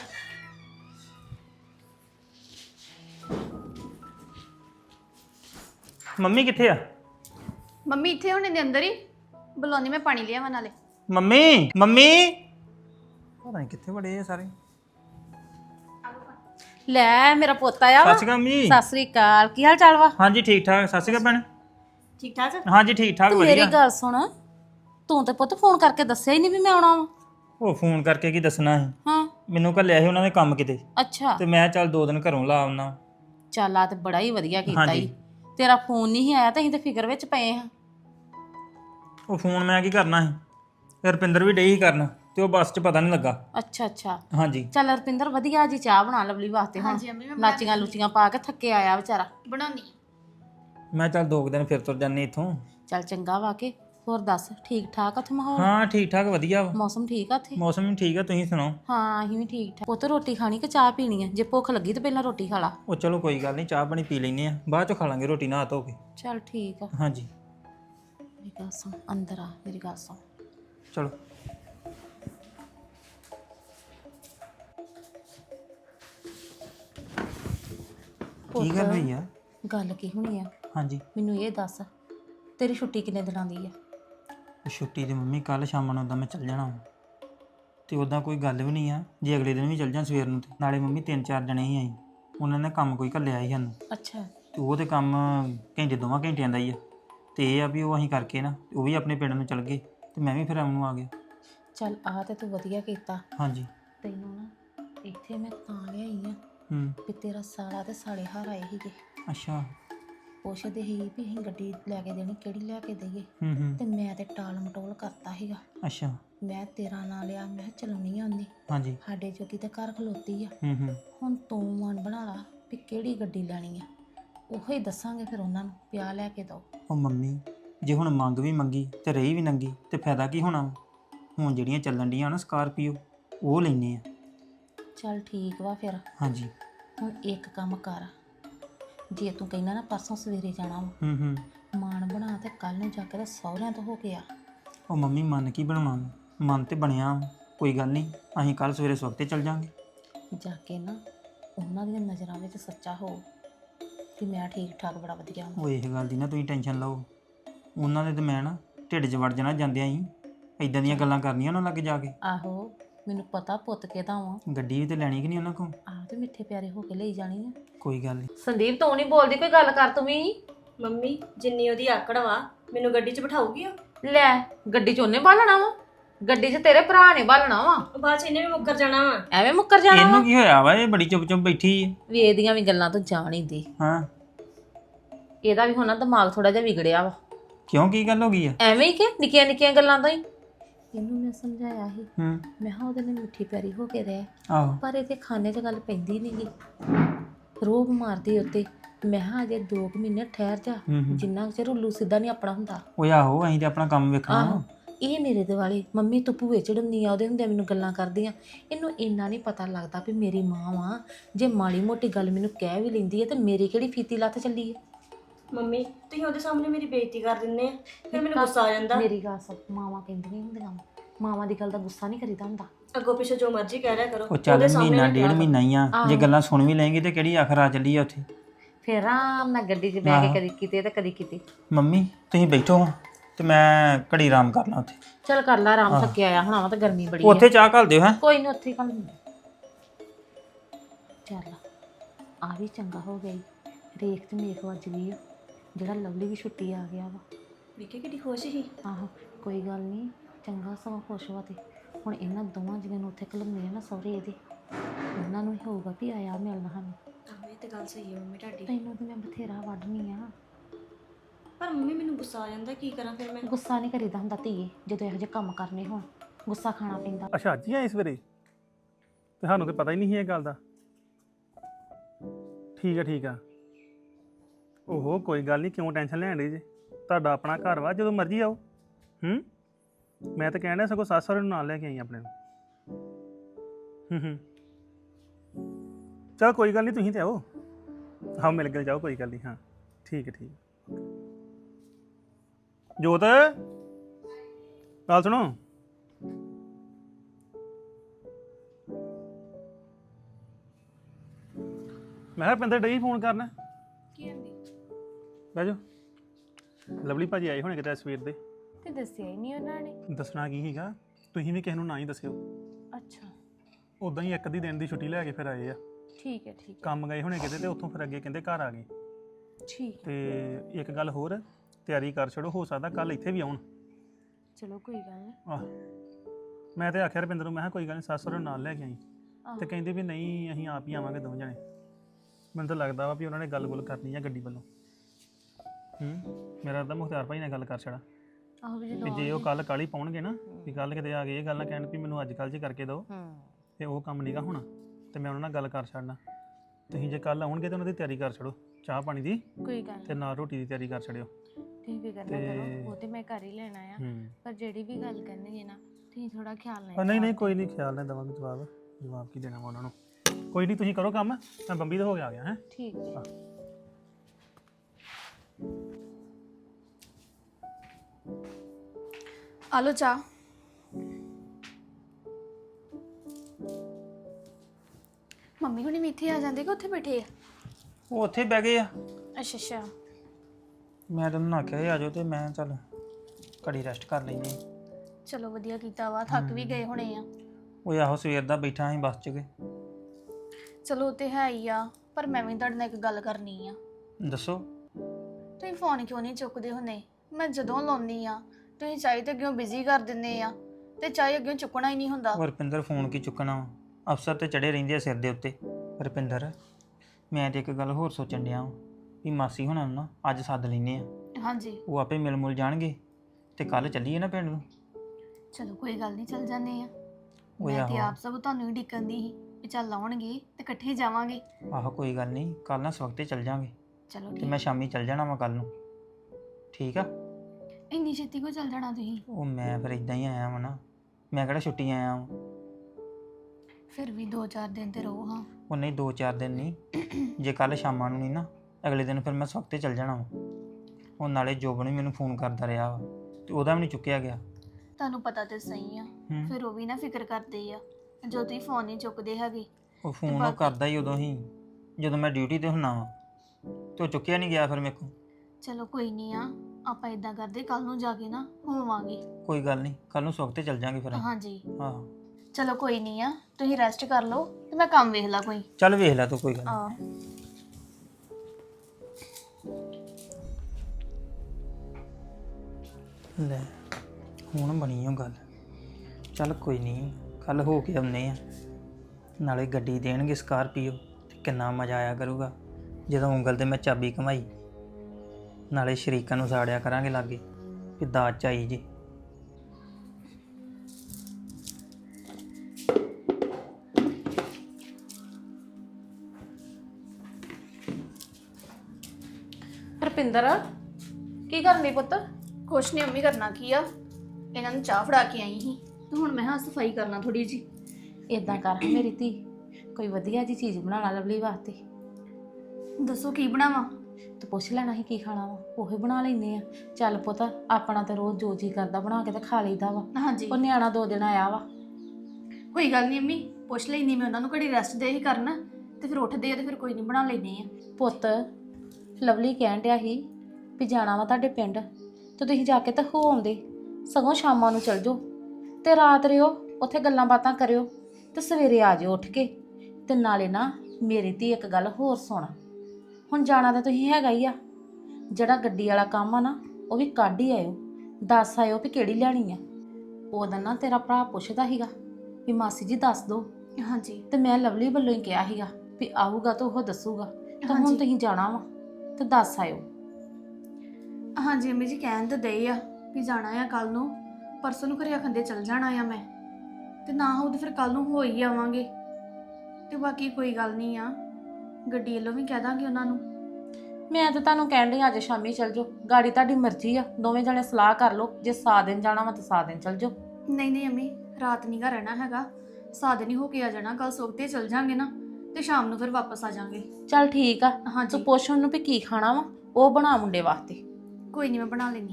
ਮੰਮੀ ਕਿੱਥੇ ਆ? ਮੰਮੀ ਇੱਥੇ ਹੋਣੇ ਦੇ ਅੰਦਰ ਹੀ, ਬੁਲਾਉਣੀ ਮੈਂ ਪਾਣੀ ਲਿਆਵਾਂ ਨਾਲੇ। ਮੰਮੀ ਮੰਮੀ ਪਤਾ ਨਹੀਂ ਕਿੱਥੇ ਵੜੇ ਆ ਸਾਰੇ। ਲੈ ਮੇਰਾ ਪੁੱਤ ਆਇਆ ਵਾ। ਸਤਿ ਸ਼੍ਰੀ ਅਕਾਲ ਮੰਮੀ। ਸਤਿ ਸ੍ਰੀ ਅਕਾਲ, ਕੀ ਹਾਲ ਚਾਲ ਵਾ? ਹਾਂਜੀ ਠੀਕ ਠਾਕ। ਸਤਿ ਸ਼੍ਰੀ ਅਕਾਲ ਭੈਣ। ਠੀਕ ਠਾਕ। ਹਾਂਜੀ ਠੀਕ ਠਾਕ ਤੂੰ ਮੇਰੀ ਵਧੀਆ। ਗੱਲ ਸੁਣ, ਤੂੰ ਤੇ ਪੁੱਤ ਫੋਨ ਕਰਕੇ ਦੱਸਿਆ ਹੀ ਨਹੀਂ ਵੀ ਮੈਂ ਆਉਣਾ ਵਾ। ਉਹ ਫੋਨ ਕਰਕੇ ਕੀ ਦੱਸਣਾ ਸੀ, ਹਾਂ ਮੈਨੂੰ ਘੱਲਿਆ ਸੀ ਉਹਨਾਂ ਨੇ ਕੰਮ ਕਿਤੇ ਅੱਛਾ, ਤੇ ਮੈਂ ਚੱਲ ਦੋ ਦਿਨ ਘਰੋਂ ਲਾ ਆਉਣਾ। ਚੱਲ ਆ ਤੇ ਬੜਾ ਹੀ ਵਧੀਆ ਕੀਤਾ ਹਾਂਜੀ। ਈ। ਤੇਰਾ ਫੋਨ ਨਹੀਂ ਸੀ ਆਇਆ ਤਾਂ ਅਸੀਂ ਤੇ ਫਿਕਰ ਵਿੱਚ ਪਏ ਹਾਂ। ਉਹ ਫੋਨ ਮੈਂ ਕੀ ਕਰਨਾ ਸੀ, ਤੇ ਰੁਪਿੰਦਰ ਵੀ ਡਈ ਸੀ ਕਰਨ ਤੇ ਉਹ ਬੱਸ 'ਚ ਪਤਾ ਨਹੀਂ ਲੱਗਾ। ਅੱਛਾ ਅੱਛਾ, ਹਾਂਜੀ ਚੱਲ ਰਪਿੰਦਰ ਵਧੀਆ ਜੀ ਚਾਹ ਬਣਾ ਲਵਲੀ ਵਾਸਤੇ। ਹੁਣ ਹਾਂਜੀ ਅੰਮੀ ਮੈਂ ਬਣਾ ਲਾਚੀਆਂ ਲੂਚੀਆਂ ਪਾ ਕੇ ਥੱਕੇ ਆਇਆ ਵਿਚਾਰਾ। ਬਣਾਉਣੀ। ਮੈਂ ਚੱਲ ਦੋ ਕੁ ਦਿਨ ਫਿਰ ਤੁਰ ਜਾਂਦੇ ਇੱਥੋਂ। ਚੱਲ ਚੰਗਾ ਵਾ ਕੇ। ਹੋਰ ਦੱਸ, ਠੀਕ ਠਾਕ ਆ ਉੱਥੇ ਮਾਹੌਲ? ਹਾਂ ਠੀਕ ਠਾਕ ਵਧੀਆ ਵਾ, ਮੌਸਮ ਠੀਕ ਆ ਉੱਥੇ? ਮੌਸਮ ਵੀ ਠੀਕ ਆ। ਤੁਸੀਂ ਸੁਣਾਓ? ਹਾਂ ਅਸੀਂ ਵੀ ਠੀਕ ਠਾਕ। ਪੁੱਤ ਰੋਟੀ ਖਾਣੀ ਕਿ ਚਾਹ ਪੀਣੀ ਆ? ਜੇ ਭੁੱਖ ਲੱਗੀ ਤਾਂ ਪਹਿਲਾਂ ਰੋਟੀ ਖਾ ਲਾ। ਉਹ ਚਲੋ ਕੋਈ ਗੱਲ ਨਹੀਂ, ਚਾਹ ਪਾਣੀ ਪੀ ਲੈਨੇ ਆ, ਬਾਅਦ 'ਚ ਖਾ ਲਾਂਗੇ ਰੋਟੀ ਨਹਾ ਧੋ ਕੇ। ਚੱਲ ਠੀਕ ਆ। ਹਾਂਜੀ ਮੇਰੀ ਗੱਲ ਸੁਣ, ਅੰਦਰ ਆ ਮੇਰੀ ਗੱਲ ਸੁਣ। ਚਲੋ। ਕੀ ਗੱਲ ਹੋਈ ਆ? ਗੱਲ ਕੀ ਹੋਣੀ ਆ? ਹਾਂਜੀ ਮੈਨੂੰ ਇਹ ਦੱਸ, ਤੇਰੀ ਛੁੱਟੀ ਕਿੰਨੇ ਦਿਨਾਂ ਦੀ ਆ? ਉਹ ਛੁੱਟੀ ਤੇ ਮੰਮੀ ਕੱਲ ਸ਼ਾਮ ਨੂੰ ਉਦਾਂ ਮੈਂ ਚੱਲ ਜਾਣਾ ਵਾ ਤੇ ਉਦਾਂ ਕੋਈ ਗੱਲ ਵੀ ਨਹੀਂ ਆ ਜੇ ਅਗਲੇ ਦਿਨ ਵੀ ਚੱਲ ਜਾਂ ਸਵੇਰ ਨੂੰ। ਤੇ ਨਾਲੇ ਮੰਮੀ ਤਿੰਨ ਚਾਰ ਜਣੇ ਹੀ ਆਈ, ਉਹਨਾਂ ਨੇ ਕੰਮ ਕੋਈ ਘੱਲਿਆ ਸੀ ਸਾਨੂੰ ਅੱਛਾ ਤੇ ਉਹ ਤੇ ਕੰਮ ਘੰਟੇ ਦੋਵਾਂ ਘੰਟਿਆਂ ਦਾ ਹੀ ਆ। ਤੇ ਇਹ ਆ ਵੀ ਉਹ ਅਸੀਂ ਕਰਕੇ ਨਾ ਉਹ ਵੀ ਆਪਣੇ ਪਿੰਡ ਨੂੰ ਚੱਲ ਗਏ ਤੇ ਮੈਂ ਵੀ ਫਿਰ ਆਉਣ ਨੂੰ ਆ ਗਿਆ। ਚੱਲ ਆ ਤੇ ਤੂੰ ਵਧੀਆ ਕੀਤਾ। ਹਾਂਜੀ ਤੈਨੂੰ ਨਾ ਇੱਥੇ ਮੈਂ ਤਾਂ ਲਿਆਈ ਆ ਹੂੰ ਵੀ ਤੇਰਾ ਸਾਲਾ ਤੇ ਸਾਲੇ ਹਾਰ ਆਏ ਸੀਗੇ। ਅੱਛਾ ਪੁੱਛਦੇ ਸੀ ਵੀ ਅਸੀਂ ਗੱਡੀ ਲੈ ਕੇ ਦੇਣੀ, ਕਿਹੜੀ ਲੈ ਕੇ ਦਈਏ? ਹੂੰ ਹੂੰ ਤੇ ਮੈਂ ਤੇ ਟਾਲ ਮਟੋਲ ਕਰਤਾ ਸੀਗਾ। ਅੱਛਾ ਮੈਂ ਤੇਰਾ ਨਾਂ ਲਿਆ, ਮੈਂ ਕਿਹਾ ਚਲਾਉਣੀ ਆਉਂਦੀ ਹਾਂਜੀ ਸਾਡੇ ਜੋਗੀ ਤੇ ਘਰ ਖਲੋਤੀ ਆ। ਹੂੰ ਹੂੰ ਹੁਣ ਤੂੰ ਮਨ ਬਣਾ ਲਾ ਵੀ ਕਿਹੜੀ ਗੱਡੀ ਲੈਣੀ ਆ, ਉਹੋ ਹੀ ਦੱਸਾਂਗੇ ਫਿਰ ਉਹਨਾਂ ਨੂੰ ਪਿਆ ਲੈ ਕੇ ਦੋ। ਉਹ ਮੰਮੀ ਜੇ ਹੁਣ ਮੰਗ ਵੀ ਮੰਗੀ ਤੇ ਰਹੀ ਵੀ ਨੰਗੀ ਤੇ ਫਾਇਦਾ ਕੀ ਹੋਣਾ ਵਾ? ਹੁਣ ਜਿਹੜੀਆਂ ਚੱਲਣ ਡੀਆਂ ਨਾ ਸਕਾਰਪੀਓ ਉਹ ਲੈਨੇ ਆ। ਚੱਲ ਠੀਕ ਵਾ ਫਿਰ। ਹਾਂਜੀ ਹੁਣ ਇੱਕ ਕੰਮ ਕਰ, ਜੇ ਤੂੰ ਕਹਿੰਦਾ ਨਾ ਪਰਸੋਂ ਸਵੇਰੇ ਜਾਣਾ ਵਾ, ਹੂੰ ਹੂੰ ਮਾਨ ਬਣਾ ਤੇ ਕੱਲ ਨੂੰ ਜਾ ਕੇ ਤੇ ਸਹੁਰਿਆਂ ਤੋਂ ਹੋ ਕੇ ਆ। ਉਹ ਮੰਮੀ ਮਨ ਕੀ ਬਣਾਉਣਾ ਵਾ? ਮਨ ਤੇ ਬਣਿਆ ਵਾ, ਕੋਈ ਗੱਲ ਨਹੀਂ, ਅਸੀਂ ਕੱਲ ਸਵੇਰੇ ਸਵਖਤੇ ਚੱਲ ਜਾਾਂਗੇ। ਜਾ ਕੇ ਨਾ ਉਹਨਾਂ ਦੀਆਂ ਨਜ਼ਰਾਂ ਵਿੱਚ ਸੱਚਾ ਹੋ ਕਿ ਮੈਂ ਠੀਕ ਠਾਕ ਬੜਾ ਵਧੀਆ ਹਾਂ। ਉਹ ਇਹ ਗੱਲ ਦੀ ਨਾ ਤੁਸੀਂ ਟੈਨਸ਼ਨ ਲਓ, ਉਹਨਾਂ ਦੇ ਤੇ ਮੈਂ ਨਾ ਢਿੱਡ 'ਚ ਵੜ ਜਾਣਾ ਜਾਂਦਿਆਂ ਹੀ, ਇਦਾਂ ਦੀਆਂ ਗੱਲਾਂ ਕਰਨੀਆਂ ਉਹਨਾਂ ਲੱਗੇ ਜਾ ਕੇ। ਆਹੋ ਮੈਨੂੰ ਪਤਾ ਪੁੱਤ ਕਿਹਦਾ ਵਾ। ਗੱਡੀ ਵੀ ਤੇ ਲੈਣੀ ਕਿ ਨਹੀਂ ਉਹਨਾਂ ਕੋਲ। ਆਹ ਤੇ ਮਿੱਠੇ ਪਿਆਰੇ ਹੋ ਕੇ ਲਈ ਜਾਣੀ ਆ। ਕੋਈ ਗੱਲ ਨਹੀਂ। ਸੰਦੀਪ ਤੂੰ ਨਹੀਂ ਬੋਲਦੀ, ਕੋਈ ਗੱਲ ਕਰ ਤੂੰ ਵੀ। ਮੰਮੀ ਜਿੰਨੀ ਉਹਦੀ ਆਕੜ ਵਾ ਮੈਨੂੰ ਗੱਡੀ 'ਚ ਬਿਠਾਊਗੀ ਉਹ। ਲੈ ਗੱਡੀ 'ਚ ਉਹਨੇ ਬਾਲਣਾ ਵਾ, ਗੱਡੀ 'ਚ ਤੇਰੇ ਭਰਾ ਨੇ ਬਾਲਣਾ ਵਾ। ਉਹ ਬਾਅਦ 'ਚ ਇਹਨੇ ਵੀ ਮੁੱਕਰ ਜਾਣਾ ਵਾ। ਐਵੇਂ ਮੁੱਕਰ ਜਾਣਾ ਵਾ? ਇਹਨੂੰ ਕੀ ਹੋਇਆ ਵਾ? ਇਹ ਬੜੀ ਚੁੱਪ ਚੁੱਪ ਬੈਠੀ ਹੈ। ਵੀ ਇਹਦੀਆਂ ਵੀ ਗੱਲਾਂ ਤੂੰ ਜਾਣ ਹੀ ਦੇ। ਹਾਂ ਇਹਦਾ ਵੀ ਹੁਣ ਨਾ ਦਿਮਾਗ ਥੋੜਾ ਜਿਹਾ ਵਿਗੜਿਆ ਵਾ। ਕਿਉਂ, ਕੀ ਗੱਲ ਹੋ ਗਈ ਆ? ਐਵੇਂ ਹੀ ਕਿ ਨਿੱਕੀਆਂ ਨਿੱਕੀਆਂ ਗੱਲਾਂ ਤੋਂ ਹੀ ਇਹਨੂੰ ਮੈਂ ਸਮਝਾਇਆ ਸੀ ਹੂੰ ਮੈਂ ਕਿਹਾ ਉਹਦੇ ਨਾਲ ਮਿੱਠੀ ਪਿਆਰੀ ਹੋ ਕੇ ਰਹਿ ਆਹੋ ਪਰ ਇਹਦੇ ਖਾਣੇ 'ਚ ਗੱਲ ਪੈਂਦੀ ਨਹੀਂ ਗੀ ਰੋਬ ਮਾਰਦੀ ਉੱਤੇ ਮੈਂ ਕਿਹਾ ਅਜੇ ਦੋ ਕੁ ਮਹੀਨੇ ਠਹਿਰ ਜਾ ਹੂੰ ਹੂੰ ਜਿੰਨਾ ਕੁ ਚਿਰ ਉੱਲੂ ਸਿੱਧਾ ਨਹੀਂ ਆਪਣਾ ਹੁੰਦਾ ਓਏ ਆਹੋ ਅਸੀਂ ਤੇ ਆਪਣਾ ਕੰਮ ਵੇਖਣਾ ਆਹੋ ਵਾ। ਇਹ ਮੇਰੇ ਦਿਵਾਲੀ ਮੰਮੀ ਤੂੰ ਭੂਏ ਚੜਨੀ ਆ ਉਹਦੇ ਹੁੰਦੇ ਮੈਨੂੰ ਗੱਲਾਂ ਕਰਦੀਆਂ ਇਹਨੂੰ ਇੰਨਾ ਨਹੀਂ ਪਤਾ ਲੱਗਦਾ ਵੀ ਮੇਰੀ ਮਾਂ ਵਾ ਜੇ ਮਾੜੀ ਮੋਟੀ ਗੱਲ ਮੈਨੂੰ ਕਹਿ ਵੀ ਲੈਂਦੀ ਹੈ ਤੇ ਮੇਰੀ ਕਿਹੜੀ ਫੀਤੀ ਲੱਤ ਚੱਲੀ ਹੈ ਮੰਮੀ ਤੁਸੀਂ ਉਹਦੇ ਸਾਹਮਣੇ ਮੇਰੀ ਬੇਇੱਜ਼ਤੀ ਕਰ ਦਿੰਦੇ ਆ ਫਿਰ ਮੈਨੂੰ ਗੁੱਸਾ ਆ ਜਾਂਦਾ। ਮੇਰੀ ਗੱਲ ਸਭ ਮਾਵਾਂ ਕਹਿੰਦੀਆਂ ਹੁੰਦੀਆਂ ਵਾਂ। ਮਾਵਾਂ ਦੀ ਗੱਲ ਦਾ ਗੁੱਸਾ ਨਹੀਂ ਕਰੀਦਾ ਹੁੰਦਾ ਅੱਗੋਂ ਪਿੱਛੇ ਜੋ ਮਰਜ਼ੀ ਕਹਿ ਰਿਆ ਕਰੋ ਉਹ ਚੱਲ ਉਹਦੇ ਸਾਹਮਣੇ ਮਹੀਨਾ ਨਾ ਡੇਢ ਕਿਹਾ ਮਹੀਨਾ ਹੀ ਆ ਜੇ ਆਹੋ। ਗੱਲਾਂ ਸੁਣ ਵੀ ਲੈਂਗੀ ਤੇ ਕਿਹੜੀ ਆਖਰ ਆ ਚੱਲੀ ਆ ਉੱਥੇ ਫਿਰ ਆਰਾਮ ਨਾਲ ਗੱਡੀ 'ਚ ਬਹਿ ਕੇ ਕਦੀ ਕਿਤੇ ਤੇ ਕਦੀ ਕਿਤੇ ਮੰਮੀ ਤੁਸੀਂ ਬੈਠੋ ਹਾਂ ਤੇ ਮੈਂ ਘੜੀ ਆਰਾਮ ਕਰ ਲਾਂ ਉੱਥੇ ਚੱਲ ਕਰ ਲਾ ਆਰਾਮ ਥੱਕੇ ਆਇਆ ਹੁਣ ਆਵਾਂ ਤਾਂ ਗਰਮੀ ਬੜੀ ਹੈ ਉੱਥੇ ਚਾਹ ਘੱਲ ਦਿਓ ਹੈ ਕੋਈ ਨਹੀਂ ਉੱਥੇ ਕੱਲ ਚੱਲ ਆ ਵੀ ਚੰਗਾ ਹੋ ਗਿਆ ਈ। ਰੇਖ ਤੇ ਮੇਖ ਵੱਜ ਗਈ ਆ ਜਿਹੜਾ ਲਵਲੀ ਵੀ ਛੁੱਟੀ ਆ ਗਿਆ ਵਾ ਵਿਕੀ ਕਿੱਡੀ ਖੁਸ਼ ਸੀ। ਆਹੋ ਕੋਈ ਗੱਲ ਨਹੀਂ ਚੰਗਾ ਸਗੋਂ ਖੁਸ਼ ਵਾ ਤੇ ਹੁਣ ਇਹਨਾਂ ਦੋਵਾਂ ਜੀਆਂ ਨੂੰ ਉੱਥੇ ਘਲਮੇ ਆ ਨਾ ਸਹੁਰੇ ਇਹਦੇ ਉਹਨਾਂ ਨੂੰ ਹੀ ਹੋਊਗਾ ਵੀ ਆਇਆ ਮਿਲਣਾ ਸਾਨੂੰ ਆਹੋ ਇਹ ਤੇ ਗੱਲ ਸਹੀ ਹੈ ਮੰਮੀ ਤੁਹਾਡੀ ਤੈਨੂੰ ਤੇ ਮੈਂ ਬਥੇਰਾ ਵੱਢਣੀ ਆ ਪਰ ਮੰਮੀ ਮੈਨੂੰ ਗੁੱਸਾ ਆ ਜਾਂਦਾ ਕੀ ਕਰਾਂ ਫਿਰ ਮੈਂ। ਗੁੱਸਾ ਨਹੀਂ ਕਰੀਦਾ ਹੁੰਦਾ ਧੀਏ ਜਦੋਂ ਇਹੋ ਜਿਹੇ ਕੰਮ ਕਰਨੇ ਹੋਣ ਗੁੱਸਾ ਖਾਣਾ ਪੈਂਦਾ ਅੱਛਾ ਅੱਜ ਹੀ ਆਏ ਸਵੇਰੇ ਤੇ ਸਾਨੂੰ ਤੇ ਪਤਾ ਹੀ ਨਹੀਂ ਸੀ ਇਹ ਗੱਲ ਦਾ। ਠੀਕ ਆ ਠੀਕ ਆ ਓਹੋ ਕੋਈ ਗੱਲ ਨਹੀਂ ਕਿਉਂ ਟੈਨਸ਼ਨ ਲੈਣ ਰਹੀ ਜੇ ਤੁਹਾਡਾ ਆਪਣਾ ਘਰ ਵਾ ਜਦੋਂ ਮਰਜ਼ੀ ਆਓ। ਹੂੰ ਮੈਂ ਤਾਂ ਕਹਿਣ ਡਿਆ ਸਗੋਂ ਸੱਸ ਸਹੁਰੇ ਨੂੰ ਨਾਲ ਲੈ ਕੇ ਆਈ ਆਪਣੇ ਨੂੰ। ਹੂੰ ਹੂੰ ਚਲ ਕੋਈ ਗੱਲ ਨਹੀਂ ਤੁਸੀਂ ਤੇ ਆਓ ਹਾਂ ਮਿਲ ਕੇ ਜਾਓ ਕੋਈ ਗੱਲ ਨਹੀਂ ਹਾਂ ਠੀਕ ਹੈ ਠੀਕ ਹੈ। ਜੋਤ ਗੱਲ ਸੁਣੋ ਮੈਂ ਕਿਹਾ ਪਿੰਦਰ ਡਈ ਫੋਨ ਕਰਨਾ ਕੀ ਆਂਦੀ ਬਹਿ ਜਾਓ ਲਵਲੀ ਭਾਜੀ ਆਏ ਹੋਣੇ ਕਿਤੇ ਸਵੇਰ ਦੇ ਤੇ ਦੱਸਿਆ ਹੀ ਨਹੀਂ ਉਹਨਾਂ ਨੇ। ਦੱਸਣਾ ਕੀ ਸੀਗਾ ਤੁਸੀਂ ਵੀ ਕਿਸੇ ਨੂੰ ਨਾ ਹੀ ਦੱਸਿਓ ਅੱਛਾ ਉਦਾਂ ਹੀ ਇੱਕ ਅੱਧੀ ਦਿਨ ਦੀ ਛੁੱਟੀ ਲੈ ਕੇ ਫਿਰ ਆਏ ਆ ਠੀਕ ਹੈ ਠੀਕ ਕੰਮ ਗਏ ਹੋਣੇ ਕਿਤੇ ਤੇ ਉੱਥੋਂ ਫਿਰ ਅੱਗੇ ਕਹਿੰਦੇ ਘਰ ਆ ਗਏ ਠੀਕ ਤੇ ਇੱਕ ਗੱਲ ਹੋਰ ਤਿਆਰੀ ਕਰ ਛੱਡੋ ਹੋ ਸਕਦਾ ਕੱਲ ਇੱਥੇ ਵੀ ਆਉਣ। ਚਲੋ ਕੋਈ ਗੱਲ ਨਹੀਂ। ਆਹ ਮੈਂ ਤੇ ਆਖਿਆ ਰਵਿੰਦਰ ਨੂੰ ਮੈਂ ਕਿਹਾ ਕੋਈ ਗੱਲ ਨਹੀਂ ਸੱਸ ਸਹੁਰੇ ਨੂੰ ਨਾਲ ਲੈ ਕੇ ਆਈ ਆਹੋ। ਤੇ ਕਹਿੰਦੇ ਵੀ ਨਹੀਂ ਅਸੀਂ ਆਪ ਹੀ ਆਵਾਂਗੇ ਦੋਵੇਂ ਜਣੇ। ਮੈਨੂੰ ਤਾਂ ਲੱਗਦਾ ਵਾ ਵੀ ਉਹਨਾਂ ਨੇ ਗੱਲ-ਗੁੱਲ ਕਰਨੀ ਆ ਗੱਡੀ ਵੱਲੋਂ। ਹੂੰ ਮੇਰਾ ਤਾਂ ਮੁਖਤਾਰ ਭਾਈ ਨਾਲ ਗੱਲ ਕਰ ਛੜਾ ਆਹੋ ਵੀ ਵੀ ਜਦੋਂ ਜੇ ਉਹ ਕੱਲ ਕਾਲੀ ਪਾਉਣਗੇ ਨਾ ਵੀ ਕੱਲ ਕਿਤੇ ਆ ਗਏ ਇਹ ਗੱਲ ਨਾ ਕਹਿਣ ਵੀ ਮੈਨੂੰ ਅੱਜ ਕੱਲ੍ਹ 'ਚ ਕਰਕੇ ਦਿਓ ਤੇ ਉਹ ਕੰਮ ਨਹੀਂਗਾ ਹੋਣਾ ਤੇ ਮੈਂ ਉਹਨਾਂ ਨਾਲ ਗੱਲ ਕਰ ਛੱਡਣਾ। ਤੁਸੀਂ ਜੇ ਕੱਲ ਆਉਣਗੇ ਤਾਂ ਉਹਨਾਂ ਦੀ ਤਿਆਰੀ ਕਰ ਛੱਡੋ ਚਾਹ ਪਾਣੀ ਦੀ ਕੋਈ ਗੱਲ ਤੇ ਨਾਲ ਰੋਟੀ ਦੀ ਤਿਆਰੀ ਕਰ ਛੱਡਿਓ। ਤੁਸੀਂ ਫਿਕਰ ਨਾ ਕਰੋ ਉਹ ਤੇ ਮੈਂ ਕਰ ਹੀ ਲੈਣਾ ਆ ਹੂੰ ਪਰ ਜਿਹੜੀ ਵੀ ਗੱਲ ਕਰਨਗੇ ਨਾ ਤੁਸੀਂ ਥੋੜਾ ਖਿਆਲ ਪਰ ਨਾਲ ਨਹੀਂ ਨਹੀਂ ਕੋਈ ਨਹੀਂ ਖਿਆਲ ਨਾਲ ਦੇਵਾਂਗੇ ਜਵਾਬ ਜਵਾਬ ਕੀ ਦੇਣਾ ਵਾ ਉਹਨਾਂ ਨੂੰ। ਕੋਈ ਨਹੀਂ ਤੁਸੀਂ ਕਰੋ ਕੰਮ ਮੈਂ ਬੰਬੀ ਤੋਂ ਹੋ ਕੇ ਆ ਗਿਆ ਹੈ। ਠੀਕ ਜੀ। ਆਲੋ ਚਾਹ ਮੰਮੀ ਹੁਣੀ ਵੀ ਇੱਥੇ ਆ ਜਾਂਦੇ ਕਿ ਉੱਥੇ ਬੈਠੇ ਆ? ਉਹ ਉੱਥੇ ਬਹਿ ਗਏ ਆ ਅੱਛਾ ਅੱਛਾ ਮੈਂ ਤੈਨੂੰ ਆਖਿਆ ਸੀ ਆ ਜਾਓ ਤੇ ਮੈਂ ਚੱਲ ਘੜੀ ਰੈਸਟ ਕਰ ਲੈਂਦੇ ਹਾਂ। ਚਲੋ ਵਧੀਆ ਕੀਤਾ ਵਾ ਥੱਕ ਵੀ ਗਏ ਹੋਣੇ ਆ। ਉਹ ਆਹੋ ਸਵੇਰ ਦਾ ਬੈਠਾ ਸੀ ਬੱਸ 'ਚ ਕੇ। ਚਲੋ ਉਹ ਤੇ ਹੈ ਹੀ ਆ ਪਰ ਮੈਂ ਵੀ ਤੁਹਾਡੇ ਨਾਲ ਇੱਕ ਗੱਲ ਕਰਨੀ ਆ। ਦੱਸੋ ਤੁਸੀਂ ਫੋਨ ਕਿਉਂ ਨਹੀਂ ਚੁੱਕਦੇ ਹੁੰਦੇ? ਮੈਂ ਜਦੋਂ ਲਾਉਣੀ ਆ ਤੁਸੀਂ ਚਾਹੇ ਤਾਂ ਅੱਗੇ ਬਿਜ਼ੀ ਕਰ ਦਿੰਦੇ ਆ ਤੇ ਚਾਹੇ ਅੱਗੇ ਚੁੱਕਣਾ ਹੀ ਨਹੀਂ ਹੁੰਦਾ। ਉਹ ਰੁਪਿੰਦਰ ਫੋਨ ਕੀ ਚੁੱਕਣਾ ਵਾ? ਅਫਸਰ ਤੇ ਚੜੇ ਰਹਿੰਦੇ ਆ ਸਿਰ ਦੇ ਉੱਤੇ। ਰੁਪਿੰਦਰ ਮੈਂ ਤੇ ਇੱਕ ਗੱਲ ਹੋਰ ਸੋਚਣ ਡਿਆ ਵਾਂ ਵੀ ਮਾਸੀ ਹੁਣਾਂ ਨੂੰ ਨਾ ਅੱਜ ਸੱਦ ਲੈਨੇ ਆ ਹਾਂਜੀ ਉਹ ਆਪੇ ਮਿਲ ਮੁਲ ਜਾਣਗੇ ਤੇ ਕੱਲ ਚੱਲੀਏ ਨਾ ਪਿੰਡ ਨੂੰ। ਚਲੋ ਕੋਈ ਗੱਲ ਨਹੀਂ ਚੱਲ ਜਾਂਦੇ ਆ। ਉਹ ਮੈਂ ਤੇ ਆਹੋ ਆਪ ਸਭ ਤੁਹਾਨੂੰ ਹੀ ਡਿੱਕਣ ਦੀ ਸੀ ਵੀ ਚੱਲ ਆਉਣਗੇ ਤੇ ਇਕੱਠੇ ਜਾਵਾਂਗੇ। ਆਹੋ ਕੋਈ ਗੱਲ ਨਹੀਂ ਕੱਲ ਨਾ ਸਵਖਤੇ ਚੱਲ ਜਾਾਂਗੇ ਚਲੋ ਤੇ ਠੀਕ। ਮੈਂ ਸ਼ਾਮੀ ਚੱਲ ਜਾਣਾ ਵਾ ਕੱਲ ਨੂੰ। ਠੀਕ ਆ ਇੰਨੀ ਛੇਤੀ ਕੋ ਚੱਲ ਜਾਣਾ ਤੁਸੀਂ? ਉਹ ਮੈਂ ਫਿਰ ਇਦਾਂ ਹੀ ਆਇਆ ਵਾਂ ਨਾ ਮੈਂ ਕਿਹੜਾ ਛੁੱਟੀ ਆਇਆ ਵਾਂ। ਫਿਰ ਵੀ ਦੋ ਚਾਰ ਦਿਨ ਤੇ ਰਹੋ ਹਾਂ। ਉਹ ਨਹੀਂ ਦੋ ਚਾਰ ਦਿਨ ਨਹੀਂ ਜੇ ਕੱਲ ਸ਼ਾਮਾਂ ਨੂੰ ਨਹੀਂ ਨਾ ਅਗਲੇ ਦਿਨ ਫਿਰ ਮੈਂ ਸਵਖਤੇ ਚੱਲ ਜਾਣਾ ਵਾ। ਉਹ ਨਾਲੇ ਜੋਬਨ ਵੀ ਮੈਨੂੰ ਫੋਨ ਕਰਦਾ ਰਿਹਾ ਵਾ ਤੇ ਉਹਦਾ ਵੀ ਨਹੀਂ ਚੁੱਕਿਆ ਗਿਆ। ਤੁਹਾਨੂੰ ਪਤਾ ਤੇ ਸਹੀ ਆ ਹੂੰ। ਫਿਰ ਉਹ ਵੀ ਨਾ ਫਿਕਰ ਕਰਦੇ ਆ ਜੋ ਤੁਸੀਂ ਫੋਨ ਨਹੀਂ ਚੁੱਕਦੇ ਹੈਗੇ। ਉਹ ਫੋਨ ਉਹ ਕਰਦਾ ਹੀ ਉਦੋਂ ਹੀ ਜਦੋਂ ਮੈਂ ਡਿਊਟੀ ਤੇ ਹੁੰਨਾ ਵਾਂ ਤੇ ਉਹ ਚੁੱਕਿਆ ਨਹੀਂ ਗਿਆ ਫਿਰ ਮੇਰੇ ਕੋਲ। ਚਲੋ ਕੋਈ ਨਹੀਂ ਆ ਆਪਾਂ ਇਦਾਂ ਕਰਦੇ ਕੱਲ ਨੂੰ ਜਾ ਕੇ ਨਾ ਹੋਵਾਂਗੇ। ਕੋਈ ਗੱਲ ਨਹੀਂ ਕੱਲ ਨੂੰ ਸਵਖਤੇ ਚੱਲ ਜਾਾਂਗੇ ਫਿਰ ਅਸੀਂ। ਹਾਂਜੀ ਆਹੋ ਚਲੋ ਕੋਈ ਨਹੀਂ ਆ ਤੁਸੀਂ ਰੈਸਟ ਕਰ ਲਓ ਤੇ ਮੈਂ ਕੰਮ ਵੇਖ ਲਾ ਕੋਈ। ਚੱਲ ਵੇਖ ਲੈ ਤੂੰ ਕੋਈ ਗੱਲ ਨੀ। ਆ ਲੈ ਹੁਣ ਬਣੀ ਉਹ ਗੱਲ। ਚੱਲ ਕੋਈ ਨਹੀਂ ਕੱਲ ਹੋ ਕੇ ਆਉਂਦੇ ਆ ਨਾਲੇ ਗੱਡੀ ਦੇਣਗੇ ਸਕਾਰਪੀਓ ਤੇ ਕਿੰਨਾ ਮਜ਼ਾ ਆਇਆ ਕਰੂਗਾ ਜਦੋਂ ਉਂਗਲ ਤੇ ਮੈਂ ਚਾਬੀ ਘਮਾਈ। ਨਾਲੇ ਸ਼ਰੀਕਾਂ ਨੂੰ ਸਾੜਿਆ ਕਰਾਂਗੇ ਲਾਗੇ ਕਿ ਦਾਜ ਚਾਈ ਜੀ। ਰੁਪਿੰਦਰ ਕੀ ਕਰਨੀ ਪੁੱਤ? ਕੁਛ ਨਹੀਂ ਮੰਮੀ, ਕਰਨਾ ਕੀ ਆ, ਇਹਨਾਂ ਨੂੰ ਚਾਹ ਫੜਾ ਕੇ ਆਈ ਸੀ ਤੇ ਹੁਣ ਮੈਂ ਹਾਂ ਸਫਾਈ ਕਰਨਾ ਥੋੜੀ ਜੀ। ਇਦਾਂ ਕਰ ਹਾਂ ਮੇਰੀ ਧੀ, ਕੋਈ ਵਧੀਆ ਜੀ ਚੀਜ਼ ਬਣਾ ਲਾ ਲਵਲੀ ਵਾਸਤੇ। ਦੱਸੋ ਕੀ ਬਣਾਵਾਂ? ਤੂੰ ਪੁੱਛ ਲੈਣਾ ਸੀ ਕੀ ਖਾਣਾ ਵਾ, ਉਹੀ ਬਣਾ ਲੈਂਦੇ ਆ। ਚੱਲ ਪੁੱਤ, ਆਪਣਾ ਤਾਂ ਰੋਜ਼ ਜੋ ਜੀ ਕਰਦਾ ਬਣਾ ਕੇ ਤੇ ਖਾ ਲਈਦਾ ਵਾ। ਹਾਂਜੀ ਉਹ ਨਿਆਣਾ ਦੋ ਦਿਨ ਆਇਆ ਵਾ। ਕੋਈ ਗੱਲ ਨਹੀਂ ਮੰਮੀ, ਪੁੱਛ ਲੈਣੀ ਮੈਂ ਉਹਨਾਂ ਨੂੰ, ਘੜੀ ਰੈਸਟ ਦੇ ਹੀ ਕਰਨ ਤੇ ਫਿਰ ਉੱਠਦੇ ਆ ਤੇ ਫਿਰ ਕੋਈ ਨਹੀਂ ਬਣਾ ਲੈਂਦੇ ਆ। ਪੁੱਤ ਲਵਲੀ ਕਹਿਣ ਡਿਆ ਸੀ ਵੀ ਜਾਣਾ ਵਾ ਤੁਹਾਡੇ ਪਿੰਡ ਤੇ ਤੁਸੀਂ ਜਾ ਕੇ ਤਾਂ ਹੋ ਆਉਂਦੇ, ਸਗੋਂ ਸ਼ਾਮਾਂ ਨੂੰ ਚਲ ਜਾਓ ਤੇ ਰਾਤ ਰਿਓ ਉੱਥੇ ਗੱਲਾਂ ਬਾਤਾਂ ਕਰਿਓ ਤੇ ਸਵੇਰੇ ਆ ਜਾਓ ਉੱਠ ਕੇ। ਤੇ ਨਾਲੇ ਨਾ ਮੇਰੀ ਧੀ ਇੱਕ ਗੱਲ ਹੋਰ ਸੁਣ, ਹੁਣ ਜਾਣਾ ਤਾਂ ਤੁਸੀਂ ਹੈਗਾ ਹੀ ਆ, ਜਿਹੜਾ ਗੱਡੀ ਵਾਲਾ ਕੰਮ ਆ ਨਾ ਉਹ ਵੀ ਕੱਢ ਹੀ ਆਇਓ, ਦੱਸ ਆਇਓ ਵੀ ਕਿਹੜੀ ਲੈਣੀ ਆ। ਉਦੋਂ ਨਾ ਤੇਰਾ ਭਰਾ ਪੁੱਛਦਾ ਸੀਗਾ ਵੀ ਮਾਸੀ ਜੀ ਦੱਸ ਦੋ, ਹਾਂਜੀ ਤੇ ਮੈਂ ਲਵਲੀ ਵੱਲੋਂ ਹੀ ਕਿਹਾ ਸੀਗਾ ਵੀ ਆਊਗਾ ਤਾਂ ਉਹ ਦੱਸੂਗਾ। ਤਾਂ ਹੁਣ ਹਾਂਜੀ। ਤੁਸੀਂ ਜਾਣਾ ਵਾ ਤੇ ਦੱਸ ਆਇਓ। ਹਾਂਜੀ ਮੰਮੀ ਜੀ ਕਹਿਣ ਤਾਂ ਦਏ ਆ ਵੀ ਜਾਣਾ ਆ ਕੱਲ ਨੂੰ, ਪਰਸੋਂ ਨੂੰ ਘਰੇ ਆਖੰਦੇ ਚੱਲ ਜਾਣਾ ਆ ਮੈਂ, ਤੇ ਨਾ ਹੋਊ ਤੇ ਫਿਰ ਕੱਲ ਨੂੰ ਹੋ ਹੀ ਆਵਾਂਗੇ। ਤੇ ਬਾਕੀ ਕੋਈ ਗੱਲ ਨਹੀਂ ਆ, ਗੱਡੀ ਵੱਲੋਂ ਵੀ ਕਹਿ ਦਾਂਗੇ ਉਹਨਾਂ ਨੂੰ। ਮੈਂ ਤਾਂ ਤੁਹਾਨੂੰ ਕਹਿਣ ਡਈ ਅੱਜ ਸ਼ਾਮੀ ਚੱਲ ਜਾਓ, ਗਾੜੀ ਤੁਹਾਡੀ ਮਰਜ਼ੀ ਆ, ਦੋਵੇਂ ਜਣੇ ਸਲਾਹ ਕਰ ਲਓ, ਜੇ ਸਾ ਦਿਨ ਜਾਣਾ ਵਾ ਤਾਂ ਸਾ ਦਿਨ ਚੱਲ ਜਾਓ। ਨਹੀਂ ਨਹੀਂ ਮੰਮੀ, ਰਾਤ ਨਹੀਂ ਘਰ ਰਹਿਣਾ ਹੈਗਾ, ਸਾਦੇ ਨਹੀਂ ਹੋ ਕੇ ਆ ਜਾਣਾ, ਕੱਲ ਸੁੱਤੇ ਚੱਲ ਜਾਾਂਗੇ ਨਾ ਤੇ ਸ਼ਾਮ ਨੂੰ ਫਿਰ ਵਾਪਸ ਆ ਜਾਾਂਗੇ। ਚੱਲ ਠੀਕ ਆ, ਹਾਂਜੀ। ਤੂੰ ਪੁੱਛ ਉਹਨੂੰ ਵੀ ਕੀ ਖਾਣਾ ਵਾ, ਉਹ ਬਣਾ ਮੁੰਡੇ ਵਾਸਤੇ। ਕੋਈ ਨਹੀਂ ਮੈਂ ਬਣਾ ਲੈਣੀ।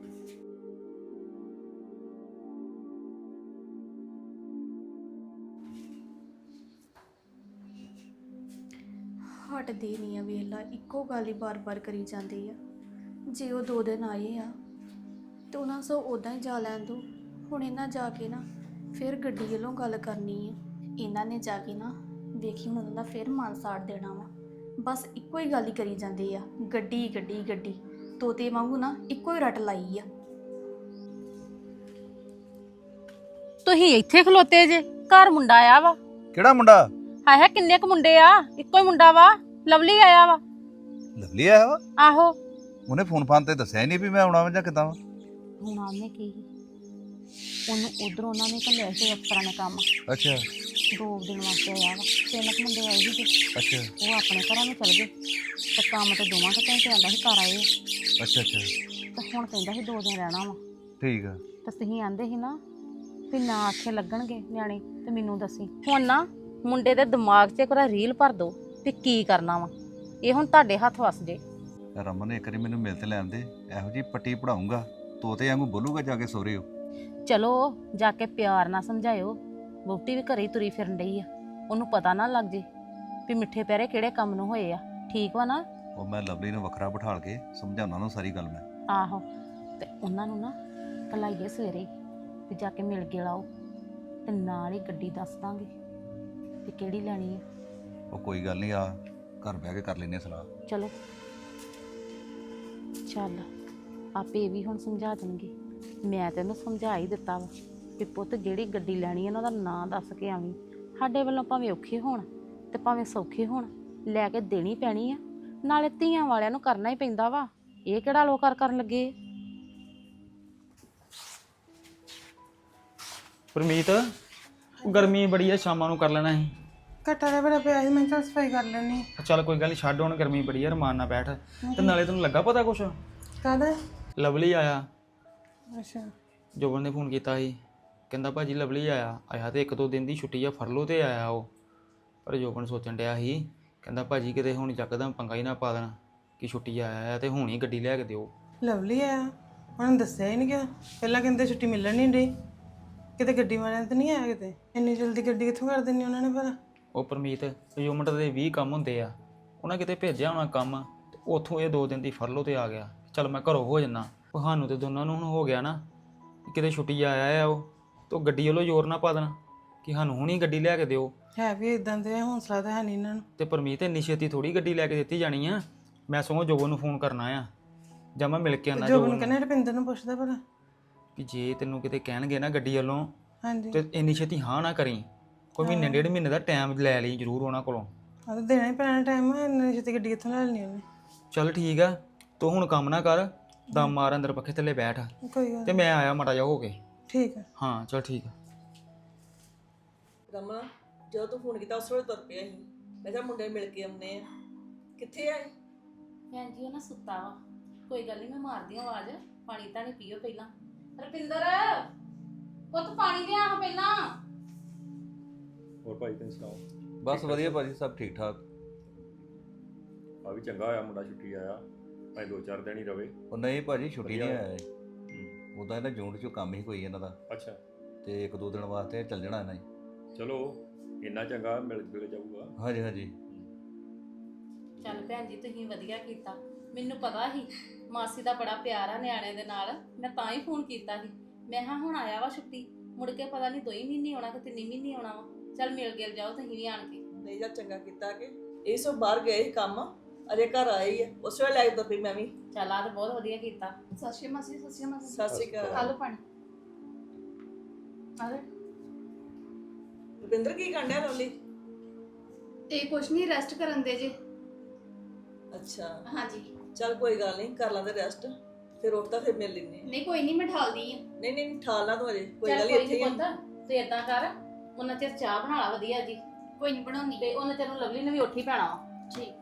ਹਟਦੇ ਨਹੀਂ ਆ, ਵੇਲਾ ਇੱਕੋ ਗੱਲ ਹੀ ਬਾਰ-ਬਾਰ ਕਰੀ ਜਾਂਦੀ ਆ। ਜੇ ਉਹ ਦੋ ਦਿਨ ਆਏ ਆ ਤੇ ਉਹਨਾਂ ਸੋ ਉਦਾਂ ਹੀ ਜਾ ਲੈਣ ਦੋ, ਹੁਣ ਇਹਨਾਂ ਜਾ ਕੇ ਨਾ ਫਿਰ ਗੱਡੀ ਵੱਲੋਂ ਗੱਲ ਕਰਨੀ ਆ। ਇਹਨਾਂ ਨੇ ਜਾ ਕੇ ਨਾ ਵੇਖੀ ਹੁਣ ਉਹਨਾਂ ਦਾ ਫਿਰ ਮਨ ਸਾੜ ਦੇਣਾ ਵਾ। ਬਸ ਇੱਕੋ ਹੀ ਗੱਲ ਹੀ ਕਰੀ ਜਾਂਦੇ ਆ, ਗੱਡੀ ਗੱਡੀ ਗੱਡੀ, ਤੋਤੇ ਵਾਂਗੂ ਨਾ ਇੱਕੋ ਹੀ ਰੱਟ ਲਾਈ ਆ। ਤੁਸੀਂ ਇੱਥੇ ਖਲੋਤੇ ਜੇ, ਘਰ ਮੁੰਡਾ ਆਇਆ ਵਾ। ਕਿਹੜਾ ਮੁੰਡਾ? ਹਾਏ ਹਾਏ ਕਿੰਨੇ ਕੁ ਮੁੰਡੇ ਆ, ਇੱਕੋ ਹੀ ਮੁੰਡਾ ਵਾ, ਲਵਲੀ ਆਇਆ ਵਾ। ਲਵਲੀ ਆਇਆ ਵਾ? ਆਹੋ। ਉਹਨੇ ਫੋਨ ਫਾਨ ਤੇ ਦੱਸਿਆ ਹੀ ਨਹੀਂ ਵੀ ਮੈਂ ਆਉਣਾ ਵਾ ਜਾਂ ਕਿੱਦਾਂ ਵਾ। ਹੁਣ ਉਹਨੇ ਕੀ, ਉਹਨੂੰ ਉਧਰੋਂ ਉਹਨਾਂ ਨੇ ਘੱਲਿਆ ਸੀ ਅਫਸਰਾਂ ਨੇ ਕੰਮ, ਅੱਛਾ ਦੋ ਦਿਨ ਵਾਸਤੇ ਆਇਆ ਵਾ। ਤਿੰਨ ਕੁ ਮੁੰਡੇ ਆਏ ਸੀ ਤੇ ਅੱਛਾ ਉਹ ਆਪਣੇ ਘਰਾਂ ਨੂੰ ਚਲ ਗਏ ਤੇ ਕੰਮ ਤੇ ਦੋਵਾਂ ਕੁ ਘੰਟੇ ਆਂਦਾ ਸੀ ਘਰ ਆਏ ਆ। ਅੱਛਾ ਅੱਛਾ ਤੇ ਹੁਣ ਕਹਿੰਦਾ ਸੀ ਦੋ ਦਿਨ ਰਹਿਣਾ ਵਾ। ਠੀਕ ਆ। ਤੇ ਤੁਸੀਂ ਆਂਦੇ ਸੀ ਨਾ ਵੀ ਨਾ ਆਖੇ ਲੱਗਣਗੇ ਨਿਆਣੇ ਤੇ ਮੈਨੂੰ ਦੱਸੀ। ਹੁਣ ਨਾ ਮੁੰਡੇ ਦੇ ਦਿਮਾਗ 'ਚ ਇੱਕ ਵਾਰ ਰੀਲ ਭਰ ਦੋ ਵੀ ਕੀ ਕਰਨਾ ਵਾ, ਇਹ ਹੁਣ ਤੁਹਾਡੇ ਹੱਥ ਵਸ ਜੇ। ਰਮਨ ਨੇ ਇੱਕ ਵਾਰੀ ਮੈਨੂੰ ਮਿਲ ਤੇ ਲੈਣ ਦੇ, ਇਹੋ ਜੀ ਪੱਟੀ ਪੜਾਉਂਗਾ, ਤੋਤੇ ਵਾਂਗੂ ਬੋਲੂਗਾ ਜਾ ਕੇ ਸੋਰੇ ਹੋ। ਚਲੋ ਜਾ ਕੇ ਪਿਆਰ ਨਾਲ ਸਮਝਾਇਓ, ਵਹੁਟੀ ਵੀ ਘਰੇ ਹੀ ਤੁਰੀ ਫਿਰਨ ਡਈ ਆ, ਉਹਨੂੰ ਪਤਾ ਨਾ ਲੱਗ ਜੇ ਵੀ ਮਿੱਠੇ ਪੈਰੇ ਕਿਹੜੇ ਕੰਮ ਨੂੰ ਹੋਏ ਆ। ਠੀਕ ਵਾ ਨਾ? ਉਹ ਮੈਂ ਲਵਲੀ ਨੂੰ ਵੱਖਰਾ ਬਿਠਾਲ ਕੇ ਸਮਝਾਉਣਾ ਉਹਨੂੰ ਸਾਰੀ ਗੱਲ ਮੈਂ। ਆਹੋ, ਤੇ ਉਹਨਾਂ ਨੂੰ ਨਾ ਭਲਾਈਏ ਸਵੇਰੇ ਵੀ ਜਾ ਕੇ ਮਿਲ ਕੇ ਲਾਓ ਤੇ ਨਾਲ ਹੀ ਗੱਡੀ ਦੱਸ ਦਾਂਗੇ ਵੀ ਕਿਹੜੀ ਲੈਣੀ ਆ। ਉਹ ਕੋਈ ਗੱਲ ਨਹੀਂ, ਆ ਘਰ ਬਹਿ ਕੇ ਕਰ ਲੈਨੇ ਸਲਾਹ। ਚਲੋ ਚੱਲ, ਆਪੇ ਇਹ ਵੀ ਹੁਣ ਸਮਝਾ ਦੇਣਗੇ। ਮੈਂ ਤੈਨੂੰ ਸਮਝਾ ਹੀ ਦਿੱਤਾ ਵਾ ਕਿ ਪੁੱਤ ਜਿਹੜੀ ਗੱਡੀ ਲੈਣੀ ਹੈ ਨਾ ਉਹਦਾ ਨਾਂ ਦੱਸ ਕੇ ਆਵੀਂ। ਸਾਡੇ ਵੱਲੋਂ ਭਾਵੇਂ ਔਖੇ ਹੋਣ ਤੇ ਭਾਵੇਂ ਸੌਖੇ ਹੋਣ, ਲੈ ਕੇ ਦੇਣੀ ਪੈਣੀ ਆ। ਨਾਲੇ ਧੀਆਂ ਵਾਲਿਆਂ ਨੂੰ ਕਰਨਾ ਹੀ ਪੈਂਦਾ ਵਾ, ਇਹ ਕਿਹੜਾ ਲੋਕ ਕਰ ਕਰਨ ਲੱਗੇ। ਪਰਮੀਤ, ਗਰਮੀ ਬੜੀ ਆ, ਸ਼ਾਮਾਂ ਨੂੰ ਕਰ ਲੈਣਾ ਸੀ। ਘੱਟਾ ਦਾ ਬੜਾ ਪਿਆ ਸੀ, ਮੈਂ ਕਿਹਾ ਸਫਾਈ ਕਰ ਲੈਣੀ। ਚੱਲ ਕੋਈ ਗੱਲ ਨਹੀਂ, ਛੱਡ, ਹੁਣ ਗਰਮੀ ਬੜੀ ਆ, ਰਮਾਨ ਨਾਲ ਬੈਠ। ਤੇ ਨਾਲੇ ਤੈਨੂੰ ਲੱਗਾ ਪਤਾ ਕੁਛ? ਕਾਹਦਾ? ਲਵਲੀ ਆਇਆ। ਅੱਛਾ ਜੋਬਨ ਨੇ ਫੋਨ ਕੀਤਾ ਸੀ, ਕਹਿੰਦਾ ਭਾਜੀ ਲਵਲੀ ਆਇਆ। ਆਇਆ ਤੇ ਇੱਕ ਦੋ ਦਿਨ ਦੀ ਛੁੱਟੀ ਆ, ਫਰਲੋ ਤੇ ਆਇਆ ਉਹ। ਪਰ ਜੋਬਨ ਸੋਚਣ ਡਿਆ ਸੀ, ਕਹਿੰਦਾ ਭਾਜੀ ਕਿਤੇ ਹੁਣ ਯਕਦਮ ਪੰਗਾ ਹੀ ਨਾ ਪਾ ਦੇਣਾ ਕਿ ਛੁੱਟੀ ਆਇਆ ਤੇ ਹੁਣ ਹੀ ਗੱਡੀ ਲੈ ਕੇ ਦਿਓ। ਲਵਲੀ ਆਇਆ, ਉਹਨਾਂ ਨੇ ਦੱਸਿਆ ਹੀ ਨਹੀਂ ਕਿ ਪਹਿਲਾਂ ਕਹਿੰਦੇ ਛੁੱਟੀ ਮਿਲਣ ਨਹੀਂ ਡਈ, ਕਿਤੇ ਗੱਡੀ ਵਾਲਿਆਂ ਤੇ ਨਹੀਂ ਆਇਆ, ਕਿਤੇ ਇੰਨੀ ਜਲਦੀ ਗੱਡੀ ਕਿੱਥੋਂ ਕਰ ਦਿੰਨੀ ਉਹਨਾਂ ਨੇ ਭਲਾ। ਉਹ ਪਰਮੀਤ, ਯੂਮਟ ਦੇ ਵੀਹ ਕੰਮ ਹੁੰਦੇ ਆ, ਉਹਨਾਂ ਕਿਤੇ ਭੇਜਿਆ ਹੋਣਾ ਕੰਮ, ਤੇ ਉੱਥੋਂ ਇਹ ਦੋ ਦਿਨ ਦੀ ਫਰਲੋ ਤੇ ਆ ਗਿਆ। ਚੱਲ ਮੈਂ ਘਰੋਂ ਹੋ ਜੰਨਾ। ਸਾਨੂੰ ਤੇ ਦੋਨਾਂ ਨੂੰ ਹੁਣ ਹੋ ਗਿਆ ਨਾ ਕਿਤੇ ਛੁੱਟੀ ਆਇਆ ਆ ਉਹ, ਤੇ ਉਹ ਗੱਡੀ ਵੱਲੋਂ ਜ਼ੋਰ ਨਾ ਪਾ ਦੇਣਾ ਕਿ ਸਾਨੂੰ ਹੁਣੀ ਗੱਡੀ ਲੈ ਕੇ ਦਿਓ। ਹੈ ਵੀ ਇਦਾਂ ਦੇ, ਹੌਸਲਾ ਤਾਂ ਹੈ ਨਹੀਂ ਇਹਨਾਂ ਨੂੰ। ਤੇ ਪਰਮੀਤ ਇੰਨੀ ਛੇਤੀ ਥੋੜੀ ਗੱਡੀ ਲੈ ਕੇ ਦਿੱਤੀ ਜਾਣੀ ਆ। ਮੈਂ ਸਗੋਂ ਜੋਬਨ ਨੂੰ ਫੋਨ ਕਰਨਾ ਆ, ਜਾਂ ਮੈਂ ਮਿਲ ਕੇ ਆਉਣਾ ਜੋਬਨ ਜੋਬਨ ਕਹਿੰਦੇ ਰੁਪਿੰਦਰ ਨੂੰ ਪੁੱਛਦਾ ਭਲਾ ਕਿ ਜੇ ਤੈਨੂੰ ਕਿਤੇ ਕਹਿਣਗੇ ਨਾ ਗੱਡੀ ਵੱਲੋਂ, ਹਾਂਜੀ ਤੇ ਇੰਨੀ ਛੇਤੀ ਹਾਂ ਨਾ ਕਰੀ। ਕੋਈ ਮਹੀਨੇ ਡੇਢ ਮਹੀਨੇ ਦਾ ਟਾਈਮ ਲੈ ਲਈ ਜ਼ਰੂਰ ਉਹਨਾਂ ਕੋਲੋਂ। ਆ ਤਾਂ ਦੇਣਾ ਹੀ ਪੈਣਾ ਟਾਈਮ, ਇੰਨੀ ਛੇਤੀ ਗੱਡੀ ਕਿੱਥੋਂ ਲੈ ਲੈਣੀ ਉਹਨੇ। ਚੱਲ ਠੀਕ ਆ, ਤੂੰ ਹੁਣ ਕੰਮ ਨਾ ਕਰ, ਦਮ ਮਾਰ ਅੰਦਰ ਪੱਖੇ ਥੱਲੇ ਬੈਠ, ਕੋਈ ਗੱਲ ਤੇ ਮੈਂ ਆਇਆ ਮਾੜਾ ਜਿਹਾ ਹੋ ਕੇ। ਠੀਕ ਹੈ। ਹਾਂ ਚੱਲ ਠੀਕ ਆ। ਰਮਾ, ਜਦੋਂ ਤੂੰ ਫੋਨ ਕੀਤਾ ਉਸ ਵੇਲੇ ਤੁਰ ਪਿਆ ਸੀ। ਮੈਂ ਕਿਹਾ ਮੁੰਡੇ ਮਿਲ ਕੇ ਆਉਂਦੇ ਆ। ਕਿੱਥੇ ਆਏ? ਭੈਣ ਜੀ ਉਹ ਨਾ ਸੁੱਤਾ ਵਾ, ਕੋਈ ਗੱਲ ਨਹੀਂ ਮੈਂ ਮਾਰਦੀ ਹਾਂ ਆਵਾਜ਼। ਪਾਣੀ ਤਾਂ ਨਹੀਂ ਪੀਓ ਪਹਿਲਾਂ। ਰਪਿੰਦਰ ਪੁੱਤ ਪਾਣੀ ਲਿਆ ਹਾਂ ਪਹਿਲਾਂ। ਹੋਰ ਭਾਈ ਤੁਸੀਂ ਸੁਣਾਓ? ਬਸ ਵਧੀਆ ਭਾਜੀ, ਸਭ ਠੀਕ ਠਾਕ। ਆ ਵੀ ਚੰਗਾ ਹੋਇਆ ਮੁੰਡਾ ਛੁੱਟੀ ਆਇਆ, ਭਾਈ ਦੋ ਚਾਰ ਦਿਨ ਹੀ ਰਵੇ। ਉਹ ਨਹੀਂ ਭਾਜੀ, ਛੁੱਟੀ ਨਹੀਂ ਵਧੀਆ। ਆਇਆ ਹੂੰ। ਉਹਦਾ ਇਹਨਾਂ ਜੂਨ ਚੋਂ ਕੰਮ ਹੀ ਕੋਈ ਇਹਨਾਂ ਦਾ, ਅੱਛਾ ਤੇ ਇੱਕ ਦੋ ਦਿਨ ਵਾਸਤੇ ਚੱਲ ਜਾਣਾ ਇਹਨਾਂ ਹੀ। ਚਲੋ ਇੰਨਾ ਚੰਗਾ, ਮਿਲ ਜੁਲ ਜਾਊਗਾ। ਹਾਂਜੀ ਹਾਂਜੀ। ਚੱਲ ਭੈਣ ਜੀ ਤੁਸੀਂ ਵਧੀਆ ਕੀਤਾ, ਮੈਨੂੰ ਪਤਾ ਸੀ ਮਾਸੀ ਦਾ ਬੜਾ ਪਿਆਰ ਆ ਨਿਆਣਿਆਂ ਦੇ ਨਾਲ, ਮੈਂ ਤਾਂ ਹੀ ਫੋਨ ਕੀਤਾ ਸੀ। ਮੈਂ ਹਾਂ ਹੁਣ ਆਇਆ ਵਾ ਛੁੱਟੀ, ਮੁੜ ਕੇ ਪਤਾ ਨਹੀਂ ਦੋ ਹੀ ਮਹੀਨੇ ਆਉਣਾ ਕਿ ਤਿੰਨ ਹੀ ਮਹੀਨੇ ਆਉਣਾ ਵਾ। ਚੱਲ ਮਿਲ ਗਿਲ ਜਾਓ ਤੁਸੀਂ ਵੀ ਆਣ ਕੇ। ਨਹੀਂ ਜਾਂ ਚੰਗਾ ਕੀਤਾ ਕਿ ਇਹ ਸਭ ਬਾਹਰ ਗਏ ਸੀ ਕੰਮ, ਅਜੇ ਘਰ ਆਏ ਹੀ ਆ, ਉਸ ਵੇਲੇ ਲੈ ਕੇ ਤੁਰ ਪਈ ਮੈਂ ਵੀ। ਚੱਲ ਆ ਤਾਂ ਬਹੁਤ ਵਧੀਆ ਕੀਤਾ। ਸਤਿ ਸ਼੍ਰੀ ਮਾਸੀ, ਸਤਿ ਸ਼੍ਰੀ ਮਾਸੀ। ਸਤਿ ਸ਼੍ਰੀ ਖਾ ਅਕਾਲ। ਲਓ ਪਾਣੀ। ਆ ਲੈ। ਰੁਪਿੰਦਰ ਕੀ ਕਰਨ ਡਿਆ ਲਵਲੀ? ਇਹ ਕੁਛ ਨਹੀਂ, ਰੈਸਟ ਕਰਨ ਦੇ ਜੇ। ਅੱਛਾ ਹਾਂਜੀ। ਚੱਲ ਕੋਈ ਗੱਲ ਨਹੀਂ, ਕਰ ਲਾਂਦੇ ਰੈਸਟ, ਫਿਰ ਉੱਠਦਾ ਫਿਰ ਮਿਲ ਲੈਨੇ। ਨਹੀਂ ਕੋਈ ਨਹੀਂ, ਮੈਂ ਠਾਲਦੀ ਆ। ਨਹੀਂ ਨਹੀਂ ਠਾਲ ਲਾ ਤੂੰ ਅਜੇ, ਕੋਈ ਚੱਲ ਗੱਲ ਨਹੀਂ ਕੋਈ ਇੱਥੇ ਨਹੀਂ ਹੀ ਆ। ਪੁੱਤ ਤੂੰ ਏਦਾਂ ਕਰ, ਉਹਨਾਂ ਚਿਰ ਚਾਹ ਬਣਾ ਲਾ ਵਧੀਆ ਜੀ, ਕੋਈ ਨਹੀਂ ਬਣਾਉਣੀ। ਤੇ ਉਹਨਾਂ ਚਿਰ ਨੂੰ ਲਵਲੀ ਨੇ ਵੀ ਉੱਠ ਹੀ ਪੈਣਾ ਵਾ। ਠੀਕ।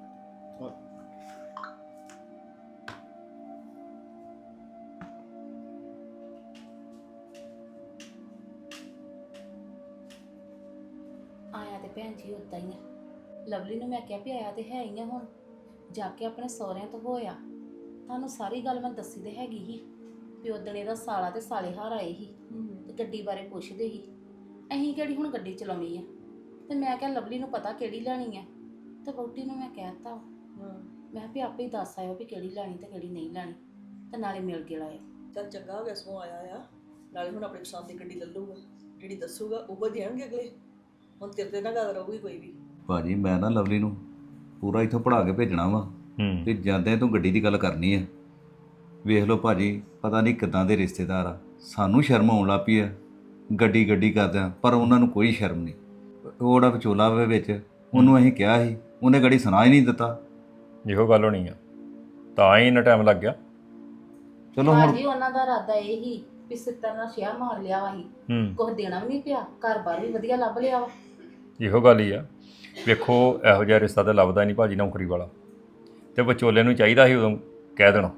ਆਇਆ ਤੇ ਭੈਣ ਜੀ ਉਦਾਂ ਹੀ ਆ। ਲਵਲੀ ਨੂੰ ਮੈਂ ਕਿਹਾ ਵੀ ਆਇਆ ਤੇ ਹੈ ਹੀ ਆ, ਹੁਣ ਜਾ ਕੇ ਆਪਣੇ ਸਹੁਰਿਆਂ ਤੋਂ ਹੋਇਆ। ਤੁਹਾਨੂੰ ਸਾਰੀ ਗੱਲ ਮੈਂ ਦੱਸੀ ਤੇ ਹੈਗੀ ਹੀ ਵੀ ਉਦਣ ਇਹਦਾ ਸਾਲਾ ਤੇ ਸਾਲੇ ਹਾਰ ਆਏ ਸੀ ਤੇ ਗੱਡੀ ਬਾਰੇ ਪੁੱਛਦੇ ਸੀ। ਅਸੀਂ ਕਿਹੜੀ ਹੁਣ ਗੱਡੀ ਚਲਾਉਣੀ ਆ, ਤੇ ਮੈਂ ਕਿਹਾ ਲਵਲੀ ਨੂੰ ਪਤਾ ਕਿਹੜੀ ਲੈਣੀ ਆ, ਤੇ ਵਹੁਟੀ ਨੂੰ ਮੈਂ ਕਹਿਤਾ ਹਾਂ ਮੈਂ ਕਿਹਾ ਵੀ ਆਪੇ ਹੀ ਦੱਸ ਆਇਓ ਵੀ ਕਿਹੜੀ ਲੈਣੀ ਤੇ ਕਿਹੜੀ ਨਹੀਂ ਲੈਣੀ, ਤੇ ਨਾਲੇ ਮਿਲ ਕੇ ਲਾਇਓ। ਚੱਲ ਚੰਗਾ ਹੋ ਗਿਆ ਸਗੋਂ ਆਇਆ ਆ, ਨਾਲੇ ਹੁਣ ਆਪਣੀ ਪਸੰਦ ਦੀ ਗੱਡੀ ਲੈ ਲੂਗਾ, ਜਿਹੜੀ ਦੱਸੂਗਾ ਉਹ ਦੇਣਗੇ ਅਗਲੇ। ਹੁਣ ਤੇਰੇ ਤੇ ਨਾ ਗੱਲ ਰਹੂਗੀ ਕੋਈ ਵੀ। ਭਾਜੀ ਮੈਂ ਨਾ ਲਵਲੀ ਨੂੰ ਪੂਰਾ ਇੱਥੋਂ ਪੜ੍ਹਾ ਕੇ ਭੇਜਣਾ ਵਾ, ਹੂੰ। ਤੇ ਜਾਂਦੇ ਤੂੰ ਗੱਡੀ ਦੀ ਗੱਲ ਕਰਨੀ ਆ। ਵੇਖ ਲਓ ਭਾਜੀ, ਪਤਾ ਨਹੀਂ ਕਿੱਦਾਂ ਦੇ ਰਿਸ਼ਤੇਦਾਰ ਆ, ਸਾਨੂੰ ਸ਼ਰਮ ਆਉਣ ਲੱਗ ਪਈ ਆ ਗੱਡੀ ਗੱਡੀ ਕਰਦਿਆਂ, ਪਰ ਉਹਨਾਂ ਨੂੰ ਕੋਈ ਸ਼ਰਮ ਨਹੀਂ। ਉਹ ਜਿਹੜਾ ਵਿਚੋਲਾ ਵੇ ਵਿੱਚ, ਉਹਨੂੰ ਅਸੀਂ ਕਿਹਾ ਸੀ, ਉਹਨੇ ਗੱਡੀ ਸੁਣਾ ਹੀ ਨਹੀਂ ਦਿੱਤਾ। ਇਹੋ ਗੱਲ ਹੋਣੀ ਆ, ਤਾਂ ਹੀ ਇੰਨਾ ਟਾਈਮ ਲੱਗ ਗਿਆ। ਚਲੋ ਹੁਣ ਭਾਜੀ ਉਹਨਾਂ ਦਾ ਇਰਾਦਾ ਇਹ ਹੀ ਵੀ ਸਿੱਤਰ ਨਾਲ ਸ਼ਿਆ ਮਾਰ ਲਿਆ ਵਾ ਹੀ, ਹੂੰ। ਕੁਝ ਦੇਣਾ ਵੀ ਨਹੀਂ ਪਿਆ, ਘਰ ਬਾਰ ਵੀ ਵਧੀਆ ਲੱਭ ਲਿਆ ਵਾ। ਇਹੋ ਗੱਲ ਹੀ ਆ। ਵੇਖੋ ਇਹੋ ਜਿਹਾ ਰਿਸ਼ਤਾ ਤਾਂ ਲੱਭਦਾ ਨਹੀਂ ਭਾਜੀ ਨੌਕਰੀ ਵਾਲਾ, ਤੇ ਵਿਚੋਲੇ ਨੂੰ ਚਾਹੀਦਾ ਸੀ ਉਦੋਂ ਕਹਿ ਦੇਣਾ।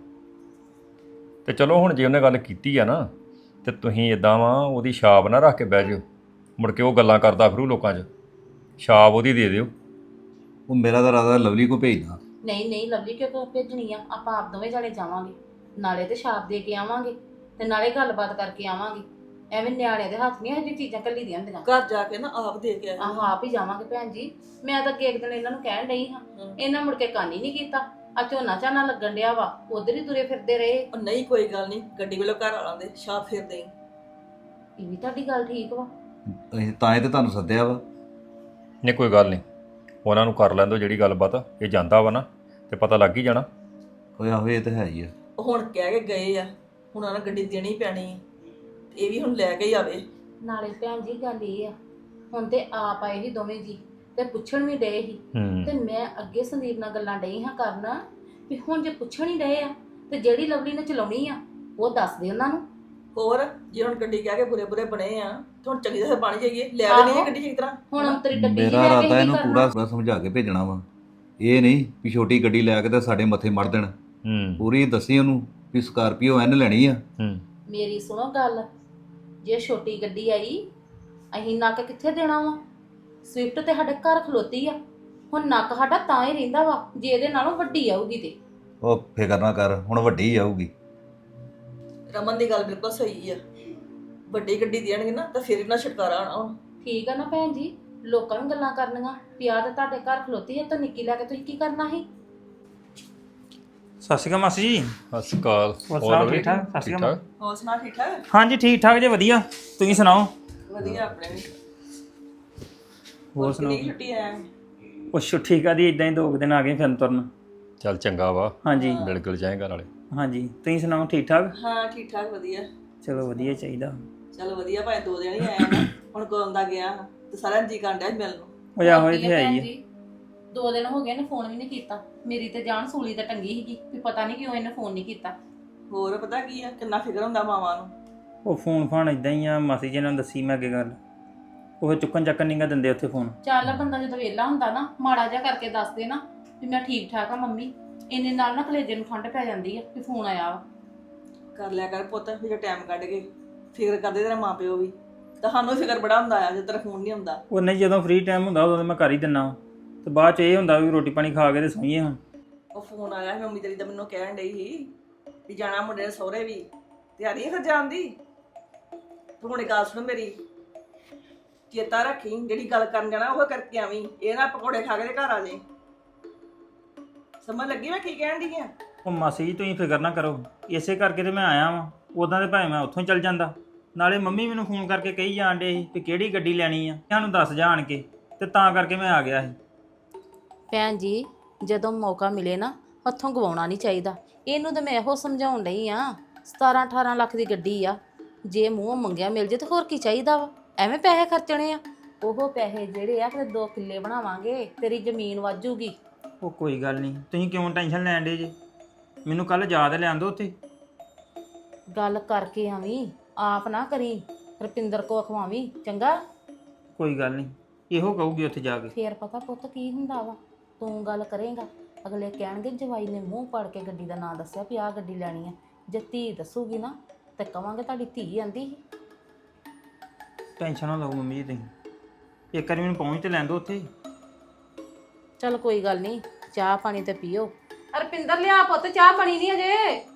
ਤੇ ਚਲੋ ਹੁਣ ਜੇ ਉਹਨੇ ਗੱਲ ਕੀਤੀ ਆ ਨਾ, ਤੇ ਤੁਸੀਂ ਇਦਾਂ ਵਾ ਉਹਦੀ ਛਾਪ ਨਾ ਰੱਖ ਕੇ ਬਹਿ ਜਿਓ, ਮੁੜ ਕੇ ਉਹ ਗੱਲਾਂ ਕਰਦਾ ਫਿਰੂ ਲੋਕਾਂ 'ਚ। ਛਾਪ ਉਹਦੀ ਦੇ ਦਿਓ। ਉਹ ਮੇਰਾ ਤਾਂ ਇਰਾਦਾ ਲਵਲੀ ਕੋ ਭੇਜਦਾ। ਨਹੀਂ ਨਹੀਂ ਲਵਲੀ ਕਿਉਂ ਭੇਜਣੀ ਆ, ਆਪਾਂ ਆਪ ਦੋਵੇਂ ਜਾਣੇ ਜਾਵਾਂਗੇ, ਨਾਲੇ ਤੇ ਛਾਪ ਦੇ ਕੇ ਆਵਾਂਗੇ ਤੇ ਨਾਲੇ ਗੱਲਬਾਤ ਕਰਕੇ ਆਵਾਂਗੇ। ਐਵੇਂ ਨਿਆਣਿਆਂ ਦੇ ਹੱਥ ਨਹੀਂ ਇਹੋ ਜਿਹੀ ਚੀਜ਼ਾਂ ਕੱਲੀ ਦੀਆਂ ਹੁੰਦੀਆਂ। ਘਰ ਜਾ ਕੇ ਨਾ ਆਪ ਦੇ ਕੇ ਆਇਆ। ਆਹੋ ਆਪ ਹੀ ਜਾਵਾਂਗੇ ਭੈਣ ਜੀ। ਮੈਂ ਤਾਂ ਅੱਗੇ ਇੱਕ ਦਿਨ ਇਹਨਾਂ ਨੂੰ ਕਹਿਣ ਡਈ ਹਾਂ, ਇਹਨਾਂ ਮੁੜ ਕੇ ਕੰਨ ਹੀ ਨਹੀਂ ਕੀਤਾ। ਆ ਝੋਨਾ ਝਾਨਾ ਲੱਗਣ ਡਿਆ ਵਾ, ਉਧਰ ਹੀ ਤੁਰੇ ਫਿਰਦੇ ਰਹੇ। ਉਹ ਨਹੀਂ ਕੋਈ ਗੱਲ ਨਹੀਂ, ਗੱਡੀ ਵੱਲੋਂ ਘਰ ਆਲਾਂ ਦੇ ਛਾਪ ਫੇਰ ਦੇਈ। ਇਹ ਵੀ ਤੁਹਾਡੀ ਗੱਲ ਠੀਕ ਵਾ। ਅਸੀਂ ਤਾਂ ਇਹ ਤੇ ਤੁਹਾਨੂੰ ਸੱਦਿਆ ਵਾ। ਨਹੀਂ ਕੋਈ ਗੱਲ ਨਹੀਂ, ਉਹਨਾਂ ਨੂੰ ਕਰ ਲੈਂਦੋ ਜਿਹੜੀ ਗੱਲਬਾਤ। ਇਹ ਜਾਂਦਾ ਵਾ ਨਾ ਤੇ ਪਤਾ ਲੱਗ ਹੀ ਜਾਣਾ। ਓਏ ਆਹੋ ਇਹ ਤਾਂ ਹੈ ਹੀ ਆ। ਉਹ ਹੁਣ ਕਹਿ ਕੇ ਗਏ ਆ, ਹੁਣ ਉਹਨਾਂ ਗੱਡੀ ਦੇਣੀ ਪੈਣੀ ਆ, ਤੇ ਇਹ ਵੀ ਹੁਣ ਲੈ ਕੇ ਹੀ ਆਵੇ। ਨਾਲੇ ਭੈਣ ਜੀ ਗੱਲ ਇਹ ਆ, ਹੁਣ ਤੇ ਆਪ ਆਏ ਸੀ ਦੋਵੇਂ ਜੀ ਤੇ ਪੁੱਛਣ ਵੀ ਡਏ ਸੀ। ਹੂੰ। ਤੇ ਮੈਂ ਅੱਗੇ ਸੰਦੀਪ ਨਾਲ ਗੱਲਾਂ ਡਈ ਹਾਂ ਕਰਨ ਵੀ ਹੁਣ ਜੇ ਪੁੱਛਣ ਹੀ ਡਏ ਆ ਤੇ ਜਿਹੜੀ ਲਵਲੀ ਨੇ ਚਲਾਉਣੀ ਆ ਉਹ ਦੱਸ ਦੇ ਉਹਨਾਂ ਨੂੰ। ਹੋਰ ਜੇ ਹੁਣ ਗੱਡੀ ਕਹਿ ਕੇ ਬੁਰੇ ਬੁਰੇ ਬਣੇ ਆ, ਤੇ ਹੁਣ ਚੰਗੀ ਤਰ੍ਹਾਂ ਬਣ ਜਾਈਏ, ਲੈ ਕੇ ਨਹੀਂ ਆਹੋ। ਗੱਡੀ ਚੰਗੀ ਤਰ੍ਹਾਂ। ਹੁਣ ਅੰਤਰੀ ਡੱਬੀ ਜੀ ਮੇਰਾ ਲੈ ਕੇ ਇਰਾਦਾ ਕੀ ਇਹਨੂੰ ਕਰਨਾ। ਪੂਰਾ ਪੂਰਾ ਸਮਝਾ ਕੇ ਭੇਜਣਾ ਵਾ। ਇਹ ਨਹੀਂ ਵੀ ਛੋਟੀ ਗੱਡੀ ਲੈ ਕੇ ਤੇ ਸਾਡੇ ਮੱਥੇ ਮੜ ਦੇਣ। ਹੂੰ। ਪੂਰੀ ਦੱਸੀ ਉਹਨੂੰ ਵੀ ਸਕਾਰਪੀਓ ਐਨ ਲੈਣੀ ਆ। ਹੂੰ। ਮੇਰੀ ਸੁਣੋ ਗੱਲ, ਜੇ ਛੋਟੀ ਗੱਡੀ ਆਈ ਅਸੀਂ ਨੱਕ ਕਿੱਥੇ ਦੇਣਾ ਵਾ? ਸਵਿਫਟ ਤੇ ਸਾਡੇ ਘਰ ਖਲੋਤੀ ਆ, ਹੁਣ ਨੱਕ ਸਾਡਾ ਤਾਂ ਹੀ ਰਹਿੰਦਾ ਵਾ ਜੇ ਇਹਦੇ ਨਾਲੋਂ ਵੱਡੀ ਆਊਗੀ ਤੇ। ਉਹ ਫਿਕਰ ਨਾ ਕਰ, ਹੁਣ ਵੱਡੀ ਆਊਗੀ। ਰਮਨ ਦੀ ਗੱਲ ਬਿਲਕੁਲ ਸਹੀ ਆ, ਵੱਡੀ ਗੱਡੀ ਦੇਣਗੇ ਨਾ ਤਾਂ ਫਿਰ ਇਹਨਾਂ ਛੁਟਕਾਰਾ ਆਉਣਾ ਹੁਣ। ਠੀਕ ਆ ਨਾ ਭੈਣ ਜੀ, ਲੋਕਾਂ ਨੂੰ ਗੱਲਾਂ ਕਰਨੀਆਂ ਪਿਆ ਤੇ ਤੁਹਾਡੇ ਘਰ ਖਲੋਤੀ ਹੈ ਤਾਂ ਨਿੱਕੀ ਲੈ ਕੇ ਤੁਸੀਂ ਕੀ ਕਰਨਾ ਸੀ? ਸਤਿ ਸ਼੍ਰੀ ਅਕਾਲ ਮਾਸੀ ਜੀ। ਸਤਿ ਸ਼੍ਰੀ ਅਕਾਲ। ਹੋਰ ਸੁਣਾਓ, ਠੀਕ ਠਾਕ? ਸਤਿ ਸ਼੍ਰੀ ਅਕਾਲ। ਹੋਰ ਸੁਣਾ, ਠੀਕ ਠਾਕ? ਹਾਂਜੀ ਠੀਕ ਠਾਕ ਜੇ, ਵਧੀਆ। ਤੁਸੀਂ ਸੁਣਾਓ? ਵਧੀਆ ਆਪਣੇ ਵੀ। ਹੋਰ ਸੁਣਾਓ? ਕਿੰਨੀ ਛੁੱਟੀ ਆਇਆ? ਉਹ ਛੁੱਟੀ ਕਾਦੀ, ਇਦਾਂ ਹੀ ਦੋ ਕੁ ਦਿਨ ਆ ਗਏ ਫਿਰਨ ਤੁਰਨ। ਚੱਲ ਚੰਗਾ ਵਾ, ਹਾਂਜੀ ਮਿਲ ਗਿਲ ਜਾਏਗਾ ਨਾਲੇ। ਹਾਂਜੀ ਤੁਸੀਂ ਸੁਣਾਓ, ਠੀਕ ਠਾਕ? ਹਾਂ ਠੀਕ ਠਾਕ ਵਧੀਆ। ਚਲੋ ਵਧੀਆ ਚਾਹੀਦਾ। ਚਲੋ ਵਧੀਆ, ਭਾਵੇਂ ਦੋ ਦਿਨ ਹੀ ਆਇਆ ਨਾ, ਹੁਣ ਕੋਲ ਦਾ ਗਿਆ ਤੇ ਸਾਰਿਆਂ ਜੀ ਕਰਨ ਡਿਆ ਸੀ ਮਿਲਣ ਨੂੰ। ਉਹ ਆਹੋ ਹੋਰ ਇਹ ਕੀ ਤੇ ਆ ਹੈ ਭੈਣ ਹੀ ਆ। ਜੀ, ਦੋ ਦਿਨ ਹੋ ਗਏ ਨੇ ਫੋਨ ਵੀ ਨਹੀਂ ਕੀਤਾ। ਮੇਰੀ ਤੇ ਜਾਨ ਸੂਲੀ ਤੇ ਟੰਗੀ ਸੀਗੀ ਵੀ ਪਤਾ ਨਹੀਂ ਕਿਉਂ ਇਹਨੇ ਫੋਨ ਨਹੀਂ ਕੀਤਾ। ਹੋਰ ਪਤਾ ਕੀ ਆ, ਕਿੰਨਾ ਫਿਕਰ ਹੁੰਦਾ ਮਾਵਾਂ ਨੂੰ। ਉਹ ਫੋਨ ਫਾਨ ਇਦਾਂ ਹੀ ਆ, ਮਾਸੀ ਜੀ ਨੇ ਦੱਸੀ ਮੈਂ ਅੱਗੇ ਗੱਲ। ਉਹ ਚੁੱਕਣ ਚੱਕਣ ਨਹੀਂ ਗਾ ਦਿੰਦੇ ਉੱਥੇ ਫੋਨ। ਚੱਲ ਬੰਦਾ ਜਦੋਂ ਵਿਹਲਾ ਹੁੰਦਾ ਨਾ, ਮਾੜਾ ਜਿਹਾ ਕਰਕੇ ਦੱਸ ਦੇ ਨਾ ਵੀ ਮੈਂ ਠੀਕ ਠਾਕ ਆ ਮੰਮੀ, ਇੰਨੇ ਨਾਲ ਨਾ ਕਲੇਜੇ ਨੂੰ ਠੰਡ ਪੈ ਜਾਂਦੀ ਆ ਕਿ ਫੋਨ ਆਇਆ ਵਾ। ਕਰ ਲਿਆ ਕਰ ਪੁੱਤ ਵੀ ਜੇ ਟਾਈਮ ਕੱਢ ਕੇ ਫਿਕਰ ਕਰਦੇ ਤੇਰੇ ਮਾਪਿਓ ਵੀ ਤੁਹਾਨੂੰ ਫਿਕਰ ਬੜਾ ਹੁੰਦਾ ਆ ਜੇ ਤੇਰਾ ਫੋਨ ਨਹੀਂ ਹੁੰਦਾ। ਉਹ ਨਹੀਂ, ਜਦੋਂ ਫ੍ਰੀ ਟਾਈਮ ਹੁੰਦਾ ਉਦੋਂ ਤਾਂ ਮੈਂ ਕਰ ਹੀ ਦਿੰਦਾ ਵਾਂ ਤੇ ਬਾਅਦ ਚ ਇਹ ਹੁੰਦਾ ਵੀ ਰੋਟੀ ਪਾਣੀ ਖਾ ਕੇ ਤੇ ਸੋਈਏ ਹੁਣ। ਉਹ ਫੋਨ ਆਇਆ ਸੀ ਮੰਮੀ ਤੇਰੀ ਦਾ ਮੈਨੂੰ ਕਹਿਣ ਡਈ ਸੀ ਵੀ ਜਾਣਾ ਮੁੰਡੇ ਦੇ ਸਹੁਰੇ ਵੀ ਤਿਆਰੀ ਹੈ ਫਿਰ ਜਾਣ ਦੀ। ਤੂੰ ਹੁਣ ਇੱਕ ਗੱਲ ਸੁਣ ਮੇਰੀ, ਚੇਤਾ ਰੱਖੀ ਜਿਹੜੀ ਗੱਲ ਕਰਨ ਜਾਣਾ ਉਹ ਕਰਕੇ ਆਵੀਂ, ਇਹ ਨਾ ਪਕੌੜੇ ਖਾ ਕੇ ਤੇ ਘਰ ਆ ਜਾਈਂ। ਸਮਝ ਲੱਗੀ ਮੈਂ ਕੀ ਕਹਿਣ ਡਈ ਆ? ਉਹ ਮਾਸੀ ਜੀ ਤੁਸੀਂ ਫਿਕਰ ਨਾ ਕਰੋ, ਇਸੇ ਕਰਕੇ ਤੇ ਮੈਂ ਆਇਆ ਵਾਂ। ਉਦਾਂ ਤੇ ਭਾਵੇਂ ਮੈਂ ਉੱਥੋਂ ਹੀ ਚੱਲ ਜਾਂਦਾ। ਨਾਲੇ ਮੰਮੀ ਮੈਨੂੰ ਫੋਨ ਕਰਕੇ ਕਹੀ ਜਾਣ ਡੇ ਸੀ ਵੀ ਕਿਹੜੀ ਗੱਡੀ ਲੈਣੀ ਆ, ਤੁਹਾਨੂੰ ਦੱਸ ਜਾਣ ਕੇ, ਤੇ ਤਾਂ ਕਰਕੇ ਮੈਂ ਆ ਗਿਆ ਸੀ। ਭੈਣ ਜੀ ਜਦੋਂ ਮੌਕਾ ਮਿਲੇ ਨਾ ਹੱਥੋਂ ਗਵਾਉਣਾ ਨਹੀਂ ਚਾਹੀਦਾ। ਇਹਨੂੰ ਤਾਂ ਮੈਂ ਇਹੋ ਸਮਝਾਉਣ ਡਈ ਆ, ਸਤਾਰਾਂ ਅਠਾਰਾਂ ਲੱਖ ਦੀ ਗੱਡੀ ਆ, ਜੇ ਮੂੰਹੋਂ ਮੰਗਿਆ ਮਿਲ ਜੇ ਤੇ ਹੋਰ ਕੀ ਚਾਹੀਦਾ ਵਾ, ਐਵੇਂ ਪੈਸੇ ਖਰਚਣੇ ਆ। ਉਹ ਪੈਸੇ ਜਿਹੜੇ ਆ ਫਿਰ ਦੋ ਕਿੱਲੇ ਬਣਾਵਾਂਗੇ, ਤੇਰੀ ਜ਼ਮੀਨ ਵਾਜੂਗੀ। ਉਹ ਕੋਈ ਗੱਲ ਨਹੀਂ, ਤੁਸੀਂ ਕਿਉਂ ਟੈਨਸ਼ਨ ਲੈਣ ਡੇ ਜੇ? ਮੈਨੂੰ ਕੱਲ ਯਾਦ ਲਿਆਂਦੋ ਉੱਥੇ। ਗੱਲ ਕਰਕੇ ਆਵੀਂ, ਆਪ ਨਾ ਕਰੀ, ਰੁਪਿੰਦਰ ਕੋ ਅਖਵਾਵੀਂ, ਚੰਗਾ? ਕੋਈ ਗੱਲ ਨਹੀਂ, ਇਹੋ ਕਹੂਗੀ ਉੱਥੇ ਜਾ ਕੇ। ਫੇਰ ਪਤਾ ਪੁੱਤ ਕੀ ਹੁੰਦਾ ਵਾ, ਤੂੰ ਗੱਲ ਕਰੇਗਾ ਅਗਲੇ ਕਹਿਣਗੇ ਜਵਾਈ ਨੇ ਮੂੰਹ ਪੜ ਕੇ ਗੱਡੀ ਦਾ ਨਾਂ ਦੱਸਿਆ ਵੀ ਆਹ ਗੱਡੀ ਲੈਣੀ ਆ। ਜੇ ਧੀ ਦੱਸੂਗੀ ਨਾ ਤੇ ਕਵਾਂਗੇ ਤੁਹਾਡੀ ਧੀ ਆਂਦੀ ਸੀ। ਟੈਨਸ਼ਨ ਨਾ ਲਓ ਮੰਮੀ ਜੀ ਤੁਸੀਂ, ਇੱਕ ਵਾਰੀ ਮੈਨੂੰ ਪਹੁੰਚ ਤੇ ਲੈਣ ਦਿਓ ਉੱਥੇ। ਚਲ ਕੋਈ ਗੱਲ ਨਹੀਂ, ਚਾਹ ਪਾਣੀ ਤੇ ਪੀਓ। ਰੁਪਿੰਦਰ ਲਿਆ ਪੁੱਤ, ਚਾਹ ਪਾਣੀ ਨਹੀਂ ਅਜੇ।